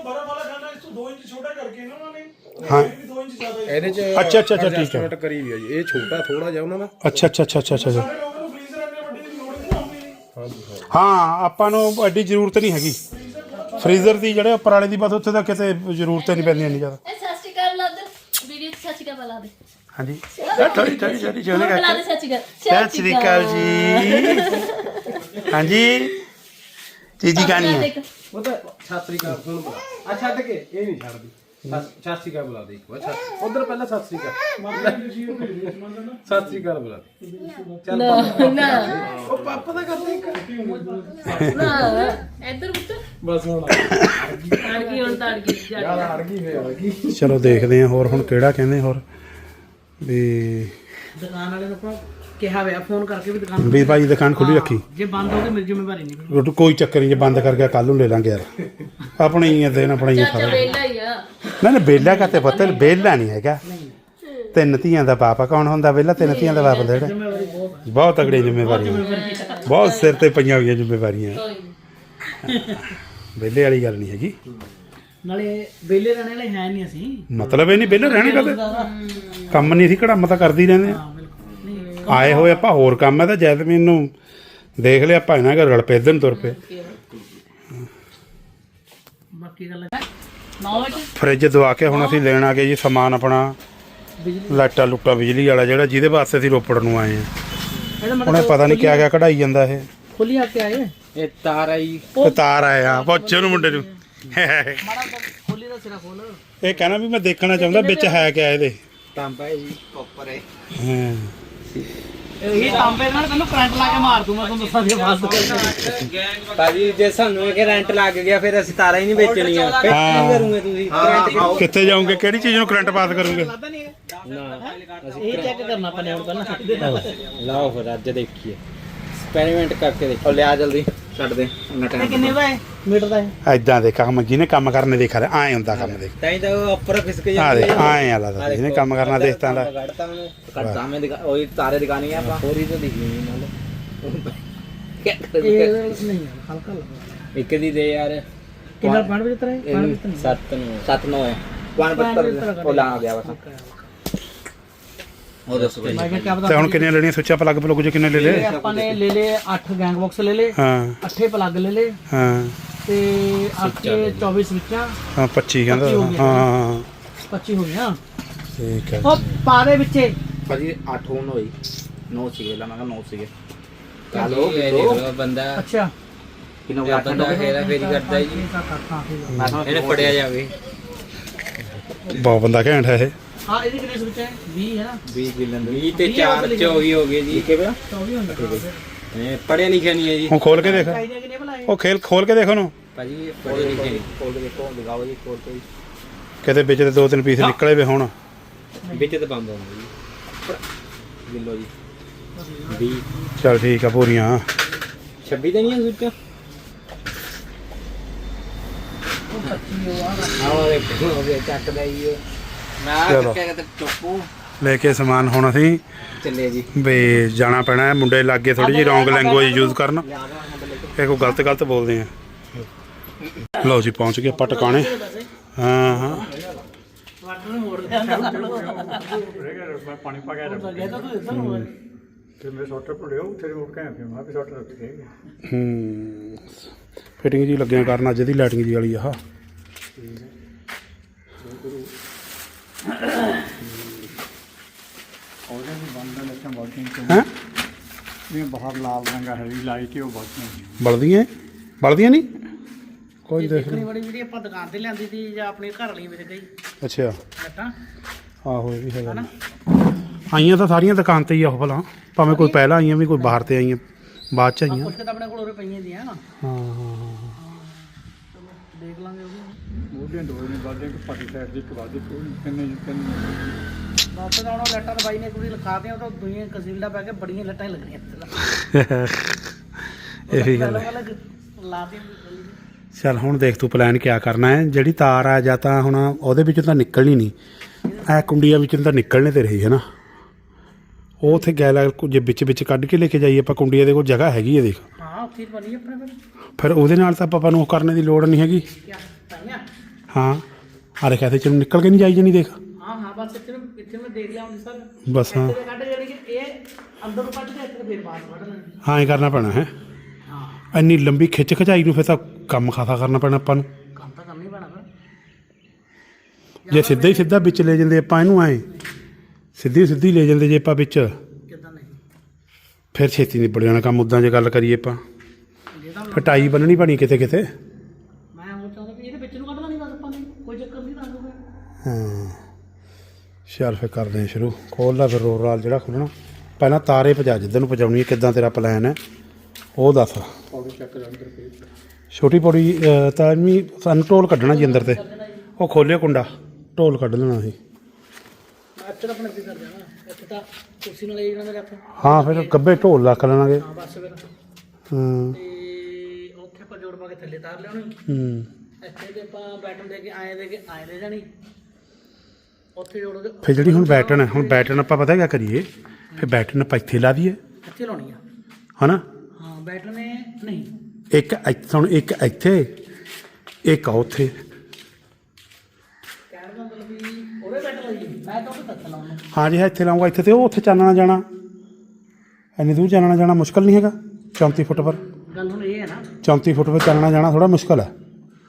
Speaker 1: ਹਾਂ
Speaker 5: ਇਹਦੇ ਚ
Speaker 1: ਅੱਛਾ, ਅੱਛਾ, ਅੱਛਾ, ਠੀਕ ਹੈ।
Speaker 5: adjustment ਕਰੀ ਵੀ ਆ ਜੀ। ਇਹ ਛੋਟਾ ਥੋੜਾ ਜਿਹਾ ਉਹਨਾਂ ਦਾ।
Speaker 1: ਅੱਛਾ ਅੱਛਾ ਅੱਛਾ ਅੱਛਾ ਅੱਛਾ ਹਾਂ ਆਪਾਂ ਨੂੰ ਐਡੀ ਜ਼ਰੂਰਤ ਨਹੀਂ ਹੈਗੀ ਫਰੀਜ਼ਰ ਦੀ। ਜਿਹੜੇ ਉੱਪਰ ਵਾਲੇ ਦੀ ਬਸ ਉੱਥੇ ਤਾਂ ਕਿਤੇ ਜ਼ਰੂਰਤ ਨਹੀਂ ਪੈਂਦੀ ਇੰਨੀ ਜ਼ਿਆਦਾ।
Speaker 4: ਇਹ ਸਤਿ ਸ੍ਰੀ ਅਕਾਲ ਲਾ ਦੇ ਵੀਡੀਓ ਸਤਿ ਸ੍ਰੀ ਅਕਾਲ ਬੁਲਾ ਦੇ।
Speaker 1: ਹਾਂਜੀ ਥੋੜੀ ਥੋੜੀ ਥੋੜੀ
Speaker 4: ਹੋਰ ਬੁਲਾ ਦੇ ਸਤਿ ਸ੍ਰੀ ਅਕਾਲ।
Speaker 1: ਸਤਿ ਸ੍ਰੀ ਅਕਾਲ ਜੀ। ਹਾਂਜੀ ਚੀਜੀ ਗਾਣੀ ਹੈ।
Speaker 5: ਉਹ ਤਾਂ ਛਾਤਰੀ ਕਾ ਫੋਨ ਆ ਛੱਡ ਕੇ ਇਹ ਨਹੀਂ ਛੱਡਦੀ। ਸਤਿ ਸ਼੍ਰੀ ਅਕਾਲ ਬੁਲਾ ਦੇ ਇੱਕ ਵਾਰ ਉਧਰ ਪਹਿਲਾਂ ਸਤਿ ਸ਼੍ਰੀ ਅਕਾਲ ਸਤਿ ਸ਼੍ਰੀ ਅਕਾਲ ਬੁਲਾ ਦੇ
Speaker 4: ਨਾ ਨਾ
Speaker 5: ਉਹ ਪਾਪਾ ਦਾ ਕਰਦੇ ਇੱਕ
Speaker 4: ਨਾ ਇੱਧਰ ਉੱਤਰ
Speaker 5: ਬਸ ਹੁਣ
Speaker 4: ਆੜ ਗਈ ਹੁਣ ਤਾਂ ਆੜ ਗਈ ਜਾ
Speaker 5: ਯਾਰ ਅੜ ਗਈ ਫੇਰ ਅੜ ਗਈ
Speaker 1: ਚਲੋ ਦੇਖਦੇ ਹਾਂ ਹੋਰ ਹੁਣ ਕਿਹੜਾ ਕਹਿੰਦੇ ਹੋਰ ਵੀ
Speaker 2: ਦੁਕਾਨ ਵਾਲੇ ਨੂੰ ਆਪਾਂ ਕਿਹਾ ਹੋਇਆ ਫੋਨ ਕਰਕੇ ਵੀ ਦੁਕਾਨ
Speaker 1: ਵੀ ਭਾਈ ਦੁਕਾਨ ਖੁੱਲੀ ਰੱਖੀ
Speaker 2: ਜੇ ਬੰਦ ਹੋ ਗਈ ਮੇਰੀ ਜ਼ਿੰਮੇਵਾਰੀ ਨਹੀਂ ਕੋਈ।
Speaker 1: ਰੋਟੀ ਕੋਈ ਚੱਕਰ ਨਹੀਂ ਜੇ ਬੰਦ ਕਰ ਗਿਆ ਕੱਲ ਨੂੰ ਲੈ ਲਾਂਗੇ ਯਾਰ ਆਪਣੀ ਹੀ ਆ ਦੇਣ ਆਪਣਾ ਹੀ ਆ
Speaker 4: ਚਾਚਾ
Speaker 1: ਸਾਰਾ
Speaker 4: ਵੇਲਾ ਹੀ ਆ
Speaker 1: ਨਾ ਨਾ ਬੇਲਾ ਕਾਤੇ ਪੁੱਤ ਬੇਲਾ ਨਹੀਂ ਹੈਗਾ ਤਿੰਨ ਧੀਆਂ ਦਾ ਪਾਪਾ ਕੌਣ ਹੁੰਦਾ ਵਿਹਲਾ ਤਿੰਨ ਧੀਆਂ ਦਾ ਬਾਪ ਹੁੰਦਾ ਜਿਹੜਾ ਬਹੁਤ ਤਗੜੀ ਜ਼ਿੰਮੇਵਾਰੀ ਬਹੁਤ ਸਿਰ ਤੇ ਪਈਆਂ ਹੋਈਆਂ ਜ਼ਿੰਮੇਵਾਰੀਆਂ
Speaker 4: ਕੋਈ ਨੀ।
Speaker 1: ਵਿਹਲੇ ਵਾਲੀ ਗੱਲ ਨਹੀਂ ਹੈਗੀ
Speaker 2: ਨਾਲੇ ਵਿਹਲੇ ਰਹਿਣ ਵਾਲੇ ਹੈ ਨਹੀਂ ਅਸੀਂ
Speaker 1: ਮਤਲਬ ਇਹ ਨਹੀਂ ਵਿਹਲੇ ਰਹਿਣਾ ਕਦੇ ਕੰਮ ਨਹੀਂ ਸੀ ਘੜਮ ਤਾਂ ਕਰਦੀ ਰਹਿੰਦੇ ਆ
Speaker 2: ਹਾਂ ਬਿਲਕੁਲ ਨਹੀਂ
Speaker 1: ਆਏ ਹੋਏ ਆਪਾਂ ਹੋਰ ਕੰਮ ਹੈ ਤਾਂ ਜੈਸਮੀਨ ਨੂੰ ਦੇਖ ਲਿਆ ਆਪਾਂ ਇਹਨਾਂ ਘਰ ਰਲ ਪਏ ਇੱਧਰ ਨੂੰ ਤੁਰ ਪਏ
Speaker 2: ਬਾਕੀ ਗੱਲ ਹੈ ਨੌ ਵਜੇ
Speaker 1: ਫਰਿੱਜ ਦਵਾ ਕੇ ਹੁਣ ਅਸੀਂ ਲੈਣ ਆ ਗਏ ਜੀ ਸਮਾਨ ਆਪਣਾ ਲਾਈਟਾਂ ਲੁੱਟਾ ਬਿਜਲੀ ਵਾਲਾ ਜਿਹੜਾ ਜਿਹਦੇ ਵਾਸਤੇ ਅਸੀਂ ਰੋਪੜ ਨੂੰ ਆਏ ਆ
Speaker 2: ਇਹਦਾ
Speaker 1: ਉਹਨੇ ਪਤਾ ਨਹੀਂ ਕਿਆ ਕਿਆ ਕਢਾਈ ਜਾਂਦਾ ਇਹ
Speaker 2: ਖੁੱਲੀ ਆ ਕੇ ਆਏ
Speaker 5: ਇਹ ਤਾਰ ਆਈ
Speaker 1: ਤੇ ਤਾਰ ਆਇਆ ਪੁੱਛ ਉਹਨੂੰ ਮੁੰਡੇ ਨੂੰ
Speaker 2: ਮਾੜਾ ਖੋਲੀ ਦਾ ਸਿਰਾ ਖੋਲ
Speaker 1: ਇਹ ਕਹਿਣਾ ਵੀ ਮੈਂ ਦੇਖਣਾ ਚਾਹੁੰਦਾ ਵਿੱਚ ਹੈ ਕਿਆ ਇਹਦੇ
Speaker 5: ਤਾਂਬਾ ਹੈ ਜੀ ਕਾਪਰ ਹੈ
Speaker 1: ਹਾਂ
Speaker 2: ਇਹ ਤਾਂਬੇ ਨਾਲ ਤੈਨੂੰ ਕਰੰਟ ਲਾ ਕੇ ਮਾਰ ਦੂੰ ਮੈਂ ਤੁਹਾਨੂੰ ਦੱਸਾਂ ਦੀ ਆਵਾਜ਼
Speaker 5: ਭਾਜੀ ਜੇ ਸਾਨੂੰ ਇਹ ਰੈਂਟ ਲੱਗ ਗਿਆ ਫਿਰ ਅਸੀਂ ਤਾਰਾਂ ਹੀ ਨਹੀਂ ਵੇਚਣੀਆਂ ਫਿਰ ਕੀ ਕਰੋਗੇ ਤੁਸੀਂ ਕਰੰਟ
Speaker 1: ਕਿੱਥੇ ਜਾਓਗੇ ਕਿਹੜੀ ਚੀਜ਼ ਨੂੰ ਕਰੰਟ ਪਾਸ ਕਰੋਗੇ
Speaker 5: ਨਾ
Speaker 2: ਇਹ ਚੈੱਕ ਕਰਨਾ ਪੈਣਾ ਹੁਣ ਪਹਿਲਾਂ
Speaker 5: ਲਾਓ ਫਿਰ ਅੱਜ ਦੇਖੀਏ ਐਕਸਪੈਰੀਮੈਂਟ ਕਰਕੇ ਦੇਖੋ ਲਿਆ ਜਲਦੀ ਛੱਡ ਦੇ ਇੰਨਾ
Speaker 2: ਇਹ
Speaker 5: ਟਾਈਮ
Speaker 2: ਕਿੰਨੇ ਦਾ ਹੈ ਮੀਟਰ ਦਾ ਹੈ
Speaker 1: ਐਦਾਂ ਦੇ ਕੰਮ ਜਿਹਨੇ ਕੰਮ ਕਰਨੇ ਦੇਖਾ ਰਿਹਾ ਐ ਹੁੰਦਾ ਕੰਮ ਦੇਖ
Speaker 5: ਤਾਂ ਹੀ ਤਾਂ ਉਹ ਉੱਪਰ ਖਿਸਕ
Speaker 1: ਆ
Speaker 5: ਜਾਂਦੇ
Speaker 1: ਦੇ ਆਏ ਆ ਲੱਗਦਾ ਜਿਹਨੇ ਕੰਮ ਕਰਨਾ ਦੇਖਤਾ ਲੈ
Speaker 5: ਕੱਢਤਾ ਮੈਨੂੰ ਕੱਢਤਾ ਮੈਂ ਦਿਖਾ ਉਹੀ ਤਾਰੇ ਦਿਖਾਣੀ ਆ ਆਪਾਂ ਹੋਰ ਹੀ ਤਾਂ ਦਿਖਣੀ ਨਹੀਂ ਨਾਲ ਕੀ
Speaker 2: ਇਹ
Speaker 5: ਕਰੀਏ
Speaker 2: ਨਹੀਂ ਯਾਰ ਹਲਕਾ ਲੱਗਾ
Speaker 5: ਇੱਕ ਦੀ ਦੇ ਯਾਰ
Speaker 2: ਕਿੰਨਾ ਪਾਣ ਵਿੱਚ ਤਰਾ ਹੈ ਪਾਣ ਵਿੱਚ
Speaker 5: ਸੱਤ ਨੂੰ ਸੱਤ ਨੌ ਹੈ ਪਾਣ ਪੱਤਰ ਉਹ ਲਾ ਗਿਆ ਬਸ ਉਹ ਦੱਸੋ ਭਾਈ
Speaker 2: ਮੈਂ ਕਿਹਾ
Speaker 1: ਤੇ
Speaker 2: ਪਤਾ
Speaker 1: ਹੁਣ ਕਿੰਨੀਆਂ ਲੈਣੀਆਂ ਸੋਚਿਆ ਪਲੱਗ ਪਲੁੱਗ ਜੋ ਕਿੰਨੇ ਲੈ
Speaker 2: ਇਹ
Speaker 1: ਲੈ
Speaker 2: ਆਪਾਂ ਨੇ ਲੈ ਲਏ ਅੱਠ ਗੈਂਗ ਬਾਕਸ ਲੈ ਲਏ
Speaker 1: ਹਾਂ
Speaker 2: ਅੱਠੇ ਪਲੱਗ ਲੈ ਲਏ
Speaker 1: ਹਾਂ
Speaker 2: ਤੇ ਅੱਠੇ ਚੌਵੀ ਸਵਿੱਚਾਂ
Speaker 1: ਹਾਂ ਪੱਚੀ ਕਹਿੰਦਾ
Speaker 2: ਪੱਚੀ ਹੋ ਗਈਆਂ।
Speaker 1: ਹਾਂ ਹਾਂ
Speaker 2: ਪੱਚੀ ਹੋ ਗਈਆਂ
Speaker 1: ਠੀਕ ਹੈ
Speaker 2: ਉਹ ਪਾ ਦੇ ਵਿੱਚੇ
Speaker 5: ਭਾਜੀ ਅੱਠ ਹੋਣ ਹੋਈ ਨੌ ਸੀਗੇ ਲਾ ਮੈਂ ਕਿਹਾ ਨੌ ਸੀਗੇ ਕਾਲੋ ਕਿਲੋ ਬੰਦਾ
Speaker 2: ਅੱਛਾ
Speaker 5: ਕਿਨੋ ਬੰਦਾ ਫੇਰਾ ਫੇਰੀ ਕਰਦਾ ਜੀ ਇਹਨੇ ਫੜਿਆ ਜਾਵੇ
Speaker 1: ਬਹੁਤ ਬੰਦਾ ਘੈਂਟ ਹੈ ਇਹ
Speaker 2: ਹਾਂ ਇਹਦੀ ਕਿੰਨੇ ਸਵਿੱਚ ਹੈ ਵੀਹ ਹੈ ਨਾ
Speaker 5: ਵੀਹ ਕਿਲੋ ਵੀਹ ਤੇ ਚਾਰ ਚੌਵੀ ਹੋ ਗਏ ਜੀ ਕਿਵੇਂ
Speaker 2: ਚੌਵੀ ਹੁੰਦਾ
Speaker 5: ਇਹ ਪੜਿਆ ਲਿਖਿਆ ਨਹੀਂ ਹੈ ਜੀ
Speaker 1: ਹੁਣ ਖੋਲ ਕੇ ਦੇਖ
Speaker 2: ਚਾਹੀਦੇ ਕਿੰਨੇ ਭਲਾਏ
Speaker 1: ਉਹ ਖੇਲ ਖੋਲ ਕੇ ਦੇਖ ਉਹਨੂੰ
Speaker 5: ਭਾਜੀ ਪੜਿਆ ਲਿਖਿਆ ਨਹੀਂ ਖੋਲ ਕੇ ਦੇਖੋ ਦਿਖਾਓ ਜੀ ਖੋਲ ਕੇ
Speaker 1: ਕਿਤੇ ਵਿੱਚ ਦੇ ਦੋ ਤਿੰਨ ਪੀਸ ਨਿਕਲੇ ਵੇ ਹੁਣ
Speaker 5: ਵਿੱਚ ਤੇ ਬੰਦ ਹੋਣਾ ਜੀ ਕਿਲੋ ਜੀ ਵੀਹ
Speaker 1: ਚਲ ਠੀਕ ਆ ਪੂਰੀਆਂ
Speaker 5: ਛੱਬੀ ਤੇ ਨਹੀਂ ਹੈ ਸੁੱਚ ਆਹ ਦੇਖੋ ਉਹ ਚੱਕਦਾ ਹੀ ਮੈਂ
Speaker 1: ਚਲੋ।
Speaker 5: ਚੱਕਿਆ ਤੇ ਚੁੱਪੂ
Speaker 1: ਲੈ ਕੇ ਸਮਾਨ ਹੁਣ ਅਸੀਂ
Speaker 5: ਚੱਲੇ ਜੀ
Speaker 1: ਵੀ ਜਾਣਾ ਪੈਣਾ ਹੈ ਮੁੰਡੇ ਲੱਗੇ ਥੋੜੀ ਜਿਹੀ ਰੋਂਗ ਲੈਂਗੁਏਜ ਯੂਜ਼ ਕਰਨ ਇਹ ਕੋਈ ਗਲਤ ਗਲਤ ਬੋਲਦੇ ਆ ਲਓ ਜੀ ਪਹੁੰਚ ਗਏ ਆਪਾਂ ਟਿਕਾਣੇ ਹਾਂ ਹਾਂ
Speaker 2: ਵਾਟਰ ਨੂੰ ਮੋੜ ਲਿਆ
Speaker 6: ਪਾਣੀ ਪਾ ਕੇ
Speaker 2: ਤਾਂ ਗਿਆ ਤਾਂ ਤੂੰ ਇੱਧਰ ਨੂੰ ਹੋਇਆ।
Speaker 6: ਫਿਰ ਮੇਰੇ ਸੋਟਰ ਭੁੱਲਿਓ ਉੱਥੇ ਉੱਠ ਕੇ ਆਇਆ ਫਿਰ ਮੈਂ ਵੀ ਸੋਟਰ ਉੱਠ ਕੇ
Speaker 1: ਹੂੰ ਫਿਟਿੰਗ ਜੀ ਲੱਗਿਆ ਕਰਨ ਅੱਜ ਦੀ ਲਾਈਟਿੰਗ ਜੀ ਵਾਲੀ ਆਹ
Speaker 6: ਉਹਦੇ ਵੀ ਬੰਦ ਲੱਤਾਂ ਬਹੁਤ
Speaker 1: ਹੈਂ
Speaker 6: ਨੇ ਬਾਹਰ ਲਾਲ ਰੰਗ ਹੈ ਵੀ ਲਾਈਟ ਹੀ ਉਹ ਬਹੁਤ ਨਹੀਂ
Speaker 1: ਬਲਦੀਆਂ ਬਲਦੀਆਂ ਨਹੀਂ ਕੋਈ ਦੇਖ
Speaker 2: ਦੇਖਣੀ ਬੜੀ ਜਿਹੜੀ ਆਪਾਂ ਦੁਕਾਨ ਤੇ ਲਿਆਂਦੀ ਸੀ ਜਾਂ ਆਪਣੇ ਘਰ ਲਈ ਮੇਰੇ ਗਈ
Speaker 1: ਅੱਛਾ
Speaker 2: ਲੱਟਾਂ
Speaker 1: ਆਹੋ ਇਹ ਵੀ ਹੈਗਾ ਆਈਆਂ ਤਾਂ ਸਾਰੀਆਂ ਦੁਕਾਨ ਤੇ ਹੀ ਆ ਉਹ ਭਲਾ ਭਾਵੇਂ ਕੋਈ ਪਹਿਲਾਂ ਆਈਆਂ ਵੀ ਕੋਈ ਬਾਹਰ ਤੇ ਆਈਆਂ ਬਾਅਦ ਚ ਆਈਆਂ
Speaker 2: ਕੁਝ ਤਾਂ ਆਪਣੇ ਕੋਲ ਉਰੇ ਪਈਆਂ ਦੀਆਂ ਨਾ
Speaker 1: ਹਾਂ ਹਾਂ
Speaker 2: ਦੇਖ ਲਾਂਗੇ ਉਹ ਵੀ
Speaker 6: ਉਹਦੇ ਦੋ ਨੇ ਬਾਅਦ ਇੱਕ ਪਾਟੀ ਸਾਈਡ ਦੀ ਇੱਕ ਬਾਅਦ ਦੀ ਕੋਈ ਕਿੰਨੇ ਕਿੰਨੇ
Speaker 2: ਵਾਪਸ ਆਉਣਾ ਲੱਟਾਂ ਤਾਂ ਬਾਈ ਨੇ ਕੁੜੀ ਲਿਖਾ ਦਿਆਂ ਤਾਂ ਦੁਨੀਆ ਕਸੀਲਡਾ ਪੈ ਕੇ ਬੜੀਆਂ ਲੱਟਾਂ ਹੀ ਲੱਗਣੀਆਂ
Speaker 1: ਇਹ ਵੀ ਗੱਲ ਹੈ
Speaker 2: ਲਾ ਦੇ
Speaker 1: ਚੱਲ ਹੁਣ ਦੇਖ ਤੂੰ ਪਲਾਨ ਕਿਆ ਕਰਨਾ ਹੈ ਜਿਹੜੀ ਤਾਰ ਆ ਜਾਂ ਤਾਂ ਹੁਣ ਉਹਦੇ ਵਿੱਚੋਂ ਤਾਂ ਨਿਕਲਣੀ ਨਹੀਂ ਐ ਕੁੰਡੀਆਂ ਵਿੱਚੋਂ ਤਾਂ ਨਿਕਲਣੇ ਤੇ ਰਹੀ ਹੈ ਨਾ ਉਹ ਉੱਥੇ ਗੈਲਾ ਜੇ ਵਿੱਚ ਵਿੱਚ ਕੱਢ ਕੇ ਲੈ ਕੇ ਜਾਈਏ ਆਪਾਂ ਕੁੰਡੀਆਂ ਦੇ ਕੋਲ ਜਗ੍ਹਾ ਹੈਗੀ ਹੈ ਦੇਖ
Speaker 2: ਹਾਂ ਉੱਥੇ ਹੀ ਬਣੀ ਆਪਣੇ ਕੋਲ
Speaker 1: ਫਿਰ ਉਹਦੇ ਨਾਲ ਤਾਂ ਆਪਾਂ ਨੂੰ ਉਹ ਕਰਨੇ ਦੀ ਲੋੜ ਨਹੀਂ ਹੈਗੀ
Speaker 2: ਕਿਆ ਤਾਈਆਂ
Speaker 1: ਹਾਂ ਆ ਦੇਖਿਆ ਤੇ ਚਲੋ ਨਿਕਲ ਕੇ ਨਹੀਂ ਜਾਈ ਜਾਣੀ ਦੇਖ
Speaker 2: ਹਾਂ ਹਾਂ ਬਸ ਇੱਥੇ ਨੂੰ ਇੱਥੇ ਮੈਂ ਦੇਖ ਲਿਆ ਹੁੰਦੀ ਸਰ
Speaker 1: ਬਸ ਹਾਂ
Speaker 2: ਇੱਥੇ ਕੱਢ ਜਿਹੜੀ ਕਿ ਇਹ ਅੰਦਰ ਨੂੰ ਕੱਢ ਕੇ ਇੱਥੇ ਫੇਰ ਬਾਹਰ ਕੱਢ ਲੈਣੀ
Speaker 1: ਹਾਂ ਇਹ ਕਰਨਾ ਪੈਣਾ ਹੈ
Speaker 2: ਹਾਂ
Speaker 1: ਇੰਨੀ ਲੰਬੀ ਖਿੱਚ ਖਚਾਈ ਨੂੰ ਫਿਰ ਤਾਂ ਕੰਮ ਖਾਸਾ ਕਰਨਾ ਪੈਣਾ ਆਪਾਂ ਨੂੰ
Speaker 2: ਕੰਮ ਤਾਂ ਕਰਨਾ ਹੀ ਪੈਣਾ ਫਿਰ
Speaker 1: ਜੇ ਸਿੱਧਾ ਹੀ ਸਿੱਧਾ ਵਿੱਚ ਲੈ ਜਾਂਦੇ ਆਪਾਂ ਇਹਨੂੰ ਐ ਸਿੱਧੀ ਸਿੱਧੀ ਲੈ ਜਾਂਦੇ ਜੇ ਆਪਾਂ ਵਿੱਚ
Speaker 2: ਕਿੱਦਾਂ ਨਹੀਂ
Speaker 1: ਫਿਰ ਛੇਤੀ ਨਿਬੜ ਜਾਣਾ ਕੰਮ ਉੱਦਾਂ ਜੇ ਗੱਲ ਕਰੀਏ ਆਪਾਂ
Speaker 2: ਜੇ ਤਾਂ
Speaker 1: ਕਟਾਈ ਬੰਨਣੀ ਬਣੀ ਕਿਤੇ ਕਿਤੇ
Speaker 2: ਮੈਂ ਉਹ ਚਾਹੁੰਦਾ ਵੀ ਇਹਦੇ ਵਿੱਚ ਨੂੰ ਕੱਢ ਲੈਣੀ ਬਸ ਆਪਾਂ ਨੇ ਕੋਈ ਚੱਕਰ ਨਹੀਂ ਦੱਸ ਦੂਗਾ
Speaker 1: ਚੱਲ ਫਿਰ ਕਰਦੇ ਹਾਂ ਸ਼ੁਰੂ। ਖੋਲ ਲਾ ਫਿਰ ਰੋਲ ਰਾਲ ਜਿਹੜਾ ਖੋਲ੍ਹਣਾ। ਪਹਿਲਾਂ ਤਾਰੇ ਭਜਾ ਜਿੱਧਰ ਨੂੰ ਪਹੁੰਚਾਉਣੀ ਹੈ, ਕਿੱਦਾਂ ਤੇਰਾ ਪਲਾਨ ਹੈ ਉਹ ਦੱਸ। ਛੋਟੀ ਪੌੜੀ ਅਹ, ਤਾਂ ਵੀ ਸਾਨੂੰ ਢੋਲ ਕੱਢਣਾ ਜੀ ਅੰਦਰ ਤੇ। ਉਹ ਖੋਲਿਓ ਕੁੰਡਾ, ਢੋਲ ਕੱਢ ਲੈਣਾ ਸੀ।
Speaker 2: ਮੈਂ ਇੱਥੇ ਤਾਂ ਆਪਣੇ ਕੀ ਕਰ ਜਾਣਾ, ਇੱਥੇ ਤਾਂ ਕੁਰਸੀ ਨਾਲ ਲੈ ਜਾਣਾ ਮੇਰੇ ਹੱਥ।
Speaker 1: ਹਾਂ ਫਿਰ ਗੱਬੇ ਢੋਲ ਰੱਖ ਲੈਣਾਗੇ।
Speaker 2: ਹਾਂ ਬਸ ਫਿਰ।
Speaker 1: ਹਾਂ
Speaker 2: ਤੇ ਉੱਥੇ ਆਪਾਂ ਜੋੜ ਪਾ ਕੇ ਥੱਲੇ ਤਾਰ ਲਿਆਉਣੀ।
Speaker 1: ਹੂੰ
Speaker 2: ਇੱਥੇ ਤੇ ਆਪਾਂ ਬੈਟਨ ਦੇ ਕੇ ਆਏ ਦੇ ਕੇ ਆਏ ਲੈ ਜਾਣੀ। ਉੱਥੇ ਜੋੜ ਕੇ
Speaker 1: ਫਿਰ ਜਿਹੜੀ ਹੁਣ ਬੈਟਨ ਹੈ, ਹੁਣ ਬੈਟਨ ਆਪਾਂ ਪਤਾ ਕਿਆ ਕਰੀਏ, ਫਿਰ ਬੈਟਨ ਆਪਾਂ ਇੱਥੇ ਲਾ ਦਈਏ
Speaker 2: ਇੱਥੇ ਲਾਉਣੀ ਆ।
Speaker 1: ਹਨਾ।
Speaker 2: ਹਾਂ ਬੈਟਨ ਨੇ ਨਹੀਂ,
Speaker 1: ਇੱਕ ਇੱਥੇ, ਹੁਣ ਇੱਕ ਇੱਥੇ, ਇੱਕ ਆ ਉੱਥੇ।
Speaker 2: ਕਹਿਣ ਦਾ ਮਤਲਬ ਵੀ ਉਹਦੇ ਬੈਟਨ ਲਈ ਮੈਂ ਤਾਂ ਉਹਦੇ ਤੱਕ ਲਾਉਣਾ।
Speaker 1: ਹਾਂ ਜੀ, ਇੱਥੇ ਲਾਉਂਗਾ ਇੱਥੇ, ਤੇ ਉਹ ਉੱਥੇ ਚਾਨਣਾ ਜਾਣਾ। ਇੰਨੀ ਦੂਰ ਚਾਨਣਾ ਜਾਣਾ ਮੁਸ਼ਕਲ ਨਹੀਂ ਹੈਗਾ। ਚੌਂਤੀ ਫੁੱਟ ਪਰ
Speaker 2: ਗੱਲ ਹੁਣ ਇਹ ਹੈ ਨਾ,
Speaker 1: ਚੌਂਤੀ ਫੁੱਟ ਪਰ ਚਾਨਣਾ ਜਾਣਾ ਥੋੜਾ ਮੁਸ਼ਕਲ ਹੈ।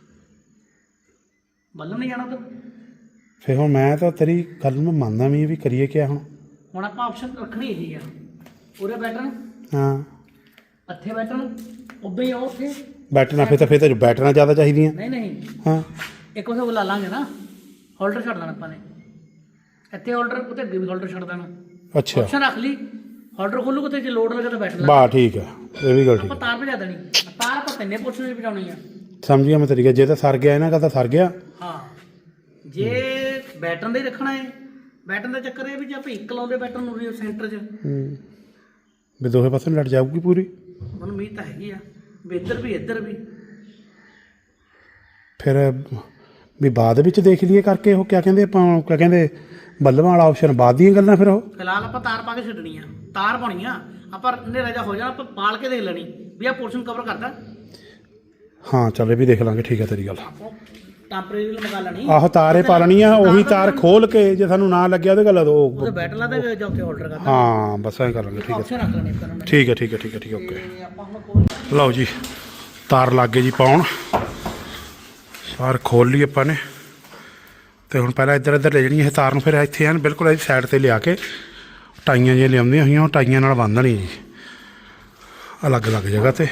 Speaker 2: ਬੱਲਮ ਨਹੀਂ ਜਾਣਾ ਤੂੰ।
Speaker 1: ਫਿਰ ਹੁਣ ਮੈਂ ਤਾਂ ਤੇਰੀ ਗੱਲ ਨੂੰ ਮੰਨਦਾ ਵੀ, ਵੀ ਕਰੀਏ ਕਿਆ ਹੁਣ।
Speaker 2: ਹੁਣ ਆਪਾਂ ਆਪਸ਼ਨ ਰੱਖਣੀ ਇਹੀ ਆ, ਉਹਦੇ ਬੈਟਨ
Speaker 1: ਹਾਂ
Speaker 2: ਇੱਥੇ ਬੈਟਨ ਉੱਦਾਂ ਹੀ ਆ ਉੱਥੇ।
Speaker 1: ਬੈਟਨਾ ਫਿਰ ਤਾਂ ਫਿਰ ਤਾਂ ਬੈਟਨਾ ਜ਼ਿਆਦਾ ਚਾਹੀਦੀਆਂ।
Speaker 2: ਨਹੀਂ ਨਹੀਂ,
Speaker 1: ਹਾਂ
Speaker 2: ਇੱਕ ਉਸੇ ਬੁਲਾ ਲਾਂਗੇ ਨਾ, ਹੋਲਡਰ ਛੱਡ ਦੇਣਾ ਆਪਾਂ ਨੇ ਇੱਥੇ। ਹੋਲਡਰ ਉੱਤੇ ਅੱਗੇ ਵੀ ਹੋਲਡਰ ਛੱਡ ਦੇਣਾ।
Speaker 1: ਅੱਛਾ
Speaker 2: ਆਪਸ਼ਨ ਰੱਖ ਲਈ, ਹੋਲਡਰ ਖੋਲੂ ਕਿਤੇ ਜੇ ਲੋਡ ਲੱਗੇ ਤਾਂ ਬੈਟਨ ਲਾ।
Speaker 1: ਬਾ ਠੀਕ ਹੈ, ਇਹ ਵੀ ਗੱਲ ਠੀਕ
Speaker 2: ਆਪਾਂ ਤਾਰ ਭਜਾ ਦੇਣੀ। ਤਾਰ ਆਪਾਂ ਤਿੰਨੇ ਪੁੱਛਣ ਵਿੱਚ ਪਹੁੰਚਾਉਣੀ ਆ।
Speaker 1: ਸਮਝ ਗਿਆ ਮੈਂ ਤੇਰੀ ਗੱਲ। ਜੇ ਤਾਂ ਸਰ ਗਿਆ ਇਹਨਾਂ ਦਾ ਤਾਂ ਸਰ ਗਿਆ।
Speaker 2: ਹਾਂ ਜੇ ਬੈਟਨ ਦਾ ਹੀ ਰੱਖਣਾ ਹੈ, ਬੈਟਨ ਦਾ ਚੱਕਰ ਇਹ ਵੀ ਜੇ ਆਪਾਂ ਇੱਕ ਲਾਉਂਦੇ ਬੈਟਨ ਨੂੰ ਵੀ ਸੈਂਟਰ 'ਚ,
Speaker 1: ਹੂੰ ਵੀ ਦੋਹੇ ਪਾਸੇ ਲੜ ਜਾਊਗੀ ਪੂਰੀ।
Speaker 2: ਮੈਨੂੰ ਉਮੀਦ ਤਾਂ ਹੈਗੀ ਆ ਵੀ ਇੱਧਰ ਵੀ ਇੱਧਰ ਵੀ।
Speaker 1: ਫਿਰ ਵੀ ਬਾਅਦ ਵਿੱਚ ਦੇਖ ਲਈਏ ਕਰਕੇ ਉਹ ਕਿਆ ਕਹਿੰਦੇ ਆਪਾਂ, ਕਿਆ ਕਹਿੰਦੇ ਬੱਲਮਾਂ ਵਾਲਾ ਆਪਸ਼ਨ ਬਾਅਦ ਦੀਆਂ ਗੱਲਾਂ ਫਿਰ ਉਹ।
Speaker 2: ਫਿਲਹਾਲ ਆਪਾਂ ਤਾਰ ਪਾ ਕੇ ਛੱਡਣੀ ਆ, ਤਾਰ ਪਾਉਣੀ ਆ ਆਪਾਂ। ਹਨੇਰਾ ਜਿਹਾ ਹੋ ਜਾਣਾ ਆਪਾਂ ਪਾਲ ਕੇ ਦੇਖ ਲੈਣੀ ਵੀ ਆਹ ਪੋਰਸ਼ਨ ਕਵਰ ਕਰਦਾ।
Speaker 1: ਹਾਂ ਚੱਲ ਇਹ ਵੀ ਦੇਖ ਲਾਂਗੇ। ਠੀਕ ਹੈ ਤੇਰੀ ਗੱਲ।
Speaker 2: ਟੈਂਪਰੇਰੀ ਲਗਾ ਲੈਣੀ।
Speaker 1: ਆਹੋ ਤਾਰੇ ਪਾ ਲੈਣੀ ਆ, ਉਹੀ ਤਾਰ ਖੋਲ ਕੇ ਜੇ ਸਾਨੂੰ ਨਾ ਲੱਗਿਆ ਉਹਦੇ ਗੱਲ ਉਹ।
Speaker 2: ਉਹਦੇ ਬੈਟਨ ਲਾ ਦੇ ਜਾਂ ਉੱਥੇ ਹੋਲਡਰ ਕਰਦਾ।
Speaker 1: ਹਾਂ ਬਸ ਐਂ ਕਰ ਲਾਂਗੇ। ਠੀਕ ਹੈ
Speaker 2: ਆਪਸ਼ਨ ਰੱਖ ਲੈਣੀ ਆਪਾਂ ਨੂੰ।
Speaker 1: ਠੀਕ ਹੈ ਠੀਕ ਹੈ ਠੀਕ ਹੈ ਠੀਕ ਹੈ ਓਕੇ।
Speaker 2: ਤੇ ਆਪਾਂ ਹੁਣ ਕੋਲ
Speaker 1: ਲਓ ਜੀ ਤਾਰ ਲੱਗ ਗਏ ਜੀ ਪਾਉਣ। ਸਾਰ ਖੋਲ ਲਈ ਆਪਾਂ ਨੇ। ਤੇ ਹੁਣ ਪਹਿਲਾਂ ਇੱਧਰ ਇੱਧਰ ਲੈ ਜਾਣੀ ਇਹ ਤਾਰ ਨੂੰ, ਫਿਰ ਇੱਥੇ ਐਨ ਬਿਲਕੁਲ ਇਹਦੀ ਸਾਈਡ ਤੇ ਲਿਆ ਕੇ ਟਾਈਆਂ ਜਿਹੀਆਂ ਲਿਆਉਂਦੀਆਂ ਹੋਈਆਂ, ਉਹ ਟਾਈਆਂ ਨਾਲ ਬੰਨ੍ਹਣੀ ਜੀ ਅਲੱਗ ਅਲੱਗ ਜਗ੍ਹਾ ਤੇ।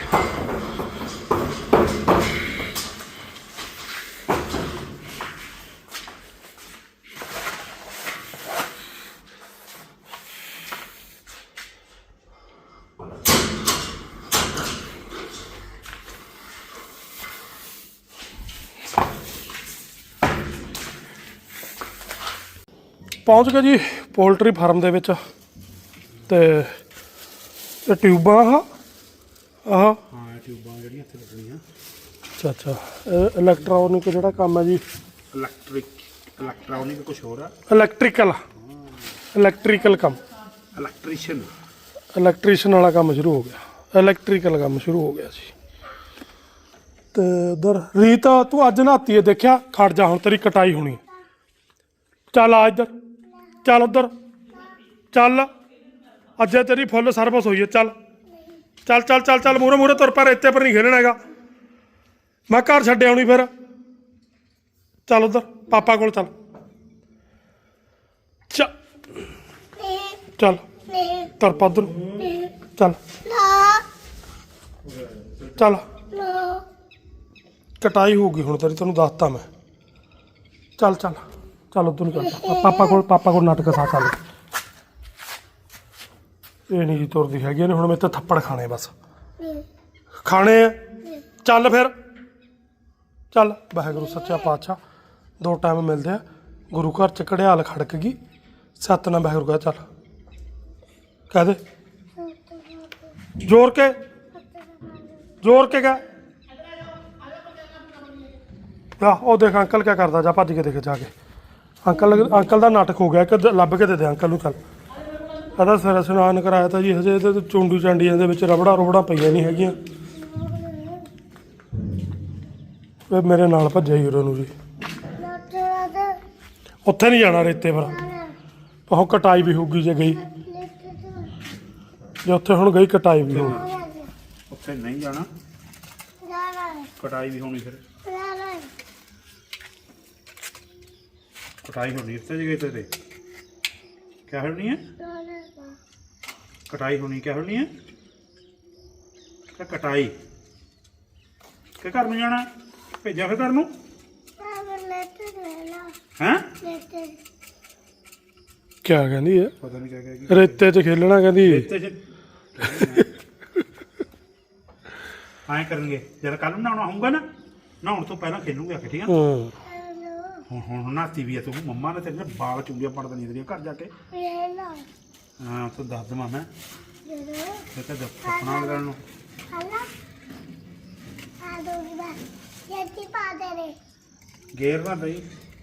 Speaker 7: ਪਹੁੰਚ ਗਏ ਜੀ ਪੋਲਟਰੀ ਫਾਰਮ ਦੇ ਵਿੱਚ। ਤੇ ਇਹ ਟਿਊਬਾਂ ਆਹ ਆਹ
Speaker 1: ਹਾਂ ਟਿਊਬਾਂ ਜਿਹੜੀਆਂ ਇੱਥੇ ਲੱਗਣੀਆਂ।
Speaker 7: ਅੱਛਾ ਅੱਛਾ, ਇਹ ਇਲੈਕਟ੍ਰੋਨਿਕ ਜਿਹੜਾ ਕੰਮ ਹੈ ਜੀ,
Speaker 1: ਇਲੈਕਟ੍ਰਿਕ ਇਲੈਕਟ੍ਰੋਨਿਕ ਕੁਛ ਹੋਰ ਆ।
Speaker 7: ਇਲੈਕਟ੍ਰੀਕਲ ਇਲੈਕਟ੍ਰੀਕਲ ਕੰਮ,
Speaker 1: ਇਲੈਕਟ੍ਰੀਸ਼ੀਅਨ
Speaker 7: ਇਲੈਕਟ੍ਰੀਸ਼ੀਅਨ ਵਾਲਾ ਕੰਮ ਸ਼ੁਰੂ ਹੋ ਗਿਆ। ਇਲੈਕਟ੍ਰੀਕਲ ਕੰਮ ਸ਼ੁਰੂ ਹੋ ਗਿਆ ਜੀ। ਤੇ ਉਧਰ ਰੀਤ ਤੂੰ ਅੱਜ ਨਹਾਤੀ ਹੈ ਦੇਖਿਆ? ਖੜ ਜਾ, ਹੁਣ ਤੇਰੀ ਕਟਾਈ ਹੋਣੀ ਹੈ। ਚੱਲ ਆ ਇੱਧਰ, ਚੱਲ ਉੱਧਰ ਚੱਲ। ਅੱਜ ਤੇਰੀ ਫੁੱਲ ਸਰਵਿਸ ਹੋਈ ਹੈ। ਚੱਲ ਚੱਲ ਚੱਲ ਚੱਲ ਚੱਲ ਮੂਹਰੇ ਮੂਹਰੇ ਤੁਰ ਪਾ, ਰੇਤੇ ਪਰ ਨਹੀਂ ਖੇਲਣਾ ਹੈਗਾ। ਮੈਂ ਘਰ ਛੱਡਿਆ ਆਉਣੀ ਫਿਰ। ਚੱਲ ਉੱਧਰ ਪਾਪਾ ਕੋਲ ਚੱਲ। ਚੱਲ ਚੱਲ ਤੁਰ ਪਾ ਉੱਧਰ। ਚੱਲ ਚੱਲ ਕਟਾਈ ਹੋਊਗੀ ਹੁਣ ਤੇਰੀ, ਤੈਨੂੰ ਦੱਸਤਾ ਮੈਂ। ਚੱਲ ਚੱਲ ਚੱਲ ਉੱਧਰ ਨੂੰ ਚੱਲ ਪਾਪਾ ਕੋਲ। ਪਾਪਾ ਕੋਲ ਨਾਟਕ ਸਾ ਚੱਲ। ਇਹ ਨਹੀਂ ਜੀ ਤੁਰਦੀ ਹੈਗੀ ਨੇ ਹੁਣ। ਮੇਰੇ ਤਾਂ ਥੱਪੜ ਖਾਣੇ ਬਸ ਖਾਣੇ ਆ। ਚੱਲ ਫਿਰ ਚੱਲ। ਵਾਹਿਗੁਰੂ ਸੱਚਾ ਪਾਤਸ਼ਾਹ ਦੋ ਟਾਈਮ ਮਿਲਦੇ ਆ। ਗੁਰੂ ਘਰ ਚ ਘੜਿਆਲ ਖੜਕ ਗਈ, ਸਤਿਨਾਮ ਵਾਹਿਗੁਰੂ ਕਹ। ਚੱਲ ਕਹਿ ਦੇ ਜ਼ੋਰ ਕੇ, ਜ਼ੋਰ ਕੇ ਕਹਿ। ਆਹ ਉਹ ਦੇਖ ਅੰਕਲ ਕਿਆ ਕਰਦਾ, ਜਾ ਭੱਜ ਕੇ ਦੇਖ ਜਾ ਕੇ। ਅੰਕਲ ਅੰਕਲ ਦਾ ਨਾਟਕ ਹੋ ਗਿਆ ਕਿ ਲੱਭ ਕੇ ਦੇ ਦੇ ਅੰਕਲ ਨੂੰ। ਚੱਲ ਇਹਦਾ ਸਿਰ ਇਸ਼ਨਾਨ ਕਰਾਇਆ ਤਾਂ ਜੀ, ਹਜੇ ਇਹਦੇ ਚੁੰਡੂ ਚਾਂਡੀਆਂ ਦੇ ਵਿੱਚ ਰਬੜਾ ਰੁਬੜਾ ਪਈਆਂ ਨਹੀਂ ਹੈਗੀਆਂ। ਇਹ ਮੇਰੇ ਨਾਲ ਭੱਜਿਆ ਹੀਰੋ ਨੂੰ ਜੀ। ਉੱਥੇ ਨਹੀਂ ਜਾਣਾ ਰੇਤੇ ਪਰ। ਉਹ ਕਟਾਈ ਵੀ ਹੋਊਗੀ ਜੇ ਗਈ, ਜੇ ਉੱਥੇ ਹੁਣ ਗਈ ਕਟਾਈ ਵੀ ਹੋਊਗੀ।
Speaker 1: ਉੱਥੇ ਨਹੀਂ ਜਾਣਾ, ਕਟਾਈ ਵੀ ਹੋਣੀ। ਫਿਰ ਕਟਾਈ ਹੋਣੀ ਇੱਥੇ ਜਗ੍ਹਾ ਤੇ। ਕਿਆ ਹੋਣੀ ਹੈ? ਕਟਾਈ ਹੋਣੀ। ਕਿਆ ਹੋਣੀ ਹੈ? ਕਿ ਕਟਾਈ ਕਿ ਘਰ ਨੂੰ ਜਾਣਾ? ਭੇਜਿਆ ਫਿਰ ਘਰ ਨੂੰ। ਹੈਂ
Speaker 7: ਕਿਆ ਕਹਿੰਦੀ ਹੈ
Speaker 1: ਪਤਾ ਨਹੀਂ ਕਿਆ ਕਹੇਗੀ
Speaker 7: ਰੇਤੇ 'ਚ ਖੇਲਣਾ ਕਹਿੰਦੀ
Speaker 1: ਰੇਤੇ 'ਚ ਐਂ ਕਰਨਗੇ ਜਦ ਕੱਲ ਨੂੰ ਨਹਾਉਣਾ ਹੋਊਗਾ ਨਾ ਨਹਾਉਣ ਤੋਂ ਪਹਿਲਾਂ ਖੇਲੂਗੇ ਆ ਕੇ ਠੀਕ ਆ
Speaker 7: ਹਾਂ
Speaker 1: ਹੁਣ ਹੁਣ ਨਹਾਤੀ ਵੀ ਆ ਤੂੰ ਮੰਮਾ ਨੇ ਤੇਰੇ ਬਾਲ ਚੁੰਗੀਆਂ ਪੜ ਦੇਣੀਆਂ ਤੇਰੀਆਂ ਘਰ ਜਾ ਕੇ ਹਾਂ ਤੂੰ ਦੱਸ ਦਵਾਂ ਮੈਂ ਇਹ ਤਾਂ ਦੱਸਣਾ ਲਗਣ ਨੂੰ ਗੇਰ ਨਾ ਦਈ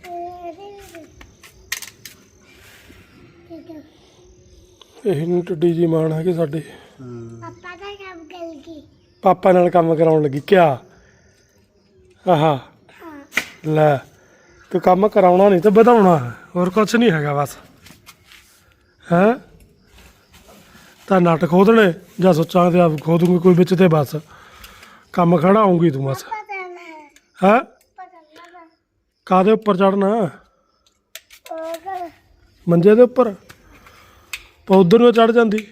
Speaker 7: ਇਹ ਨੂੰ ਟੱਡੀ ਜੀ ਮਾਣ ਹੈਗੀ ਸਾਡੇ
Speaker 8: ਪਾਪਾ ਦਾ ਕੰਮ ਕਰ ਗਈ
Speaker 7: ਪਾਪਾ ਨਾਲ ਕੰਮ ਕਰਾਉਣ ਲੱਗੀ ਕਿਆ ਆਹਾ ਲੈ ਤੂੰ ਕੰਮ ਕਰਾਉਣਾ ਨਹੀਂ ਤੇ ਵਧਾਉਣਾ ਹੈ, ਹੋਰ ਕੁਝ ਨਹੀਂ ਹੈਗਾ ਬਸ ਹੈਂ ਤਾਂ ਨਟ ਖੋਦਣੇ ਜਾਂ ਸੋਚਾਂ ਤੇ ਆਪ ਖੋਦੂਗੀ ਕੋਈ ਵਿੱਚ ਤੇ ਬਸ ਕੰਮ ਖੜਾ ਆਉਂਗੀ ਤੂੰ ਬਸ
Speaker 8: ਪਤਾ ਨਾ
Speaker 7: ਹੈਂ
Speaker 8: ਪਤਾ ਨਾ
Speaker 7: ਕਾਹਦੇ ਉੱਪਰ ਚੜਨਾ
Speaker 8: ਉਹ ਕਰ
Speaker 7: ਮੰਜੇ ਦੇ ਉੱਪਰ ਪਾ ਉਧਰ ਨੂੰ ਚੜ ਜਾਂਦੀ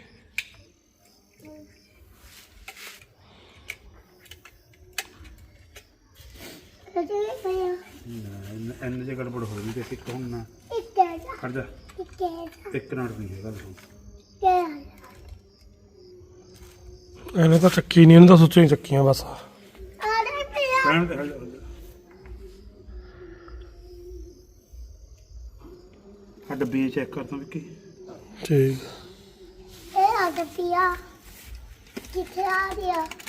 Speaker 8: ਕਦੇ ਪਿਆ
Speaker 1: ਇੰਨੇ ਜੇ ਗੜਬੜ ਹੋ ਗਈ ਤੇ ਸਿੱਖ ਹੁਣ ਨਾ
Speaker 8: ਇੱਥੇ
Speaker 1: ਖੜ ਜਾ
Speaker 8: ਇੱਥੇ
Speaker 1: ਇੱਕ ਮਿੰਟ ਨਹੀਂ ਹੈਗਾ ਤੂੰ
Speaker 8: ਕੇ
Speaker 7: ਇਹਨੇ ਤਾਂ ਚੱਕੀ ਨਹੀਂ ਇਹਨੇ ਤਾਂ ਸੁੱਚੀਆਂ ਹੀ ਚੱਕੀਆਂ ਬਸ
Speaker 8: ਆਰੇ ਪਿਆ
Speaker 1: ਟਾਈਮ ਤੇ ਹਟ ਜਾ ਆ ਡੱਬੀ ਚੈੱਕ ਕਰ ਤੂੰ ਵਿੱਕੀ
Speaker 7: ਠੀਕ
Speaker 8: ਇਹ ਆ ਪਿਆ ਕਿੱਥੇ ਆ ਗਿਆ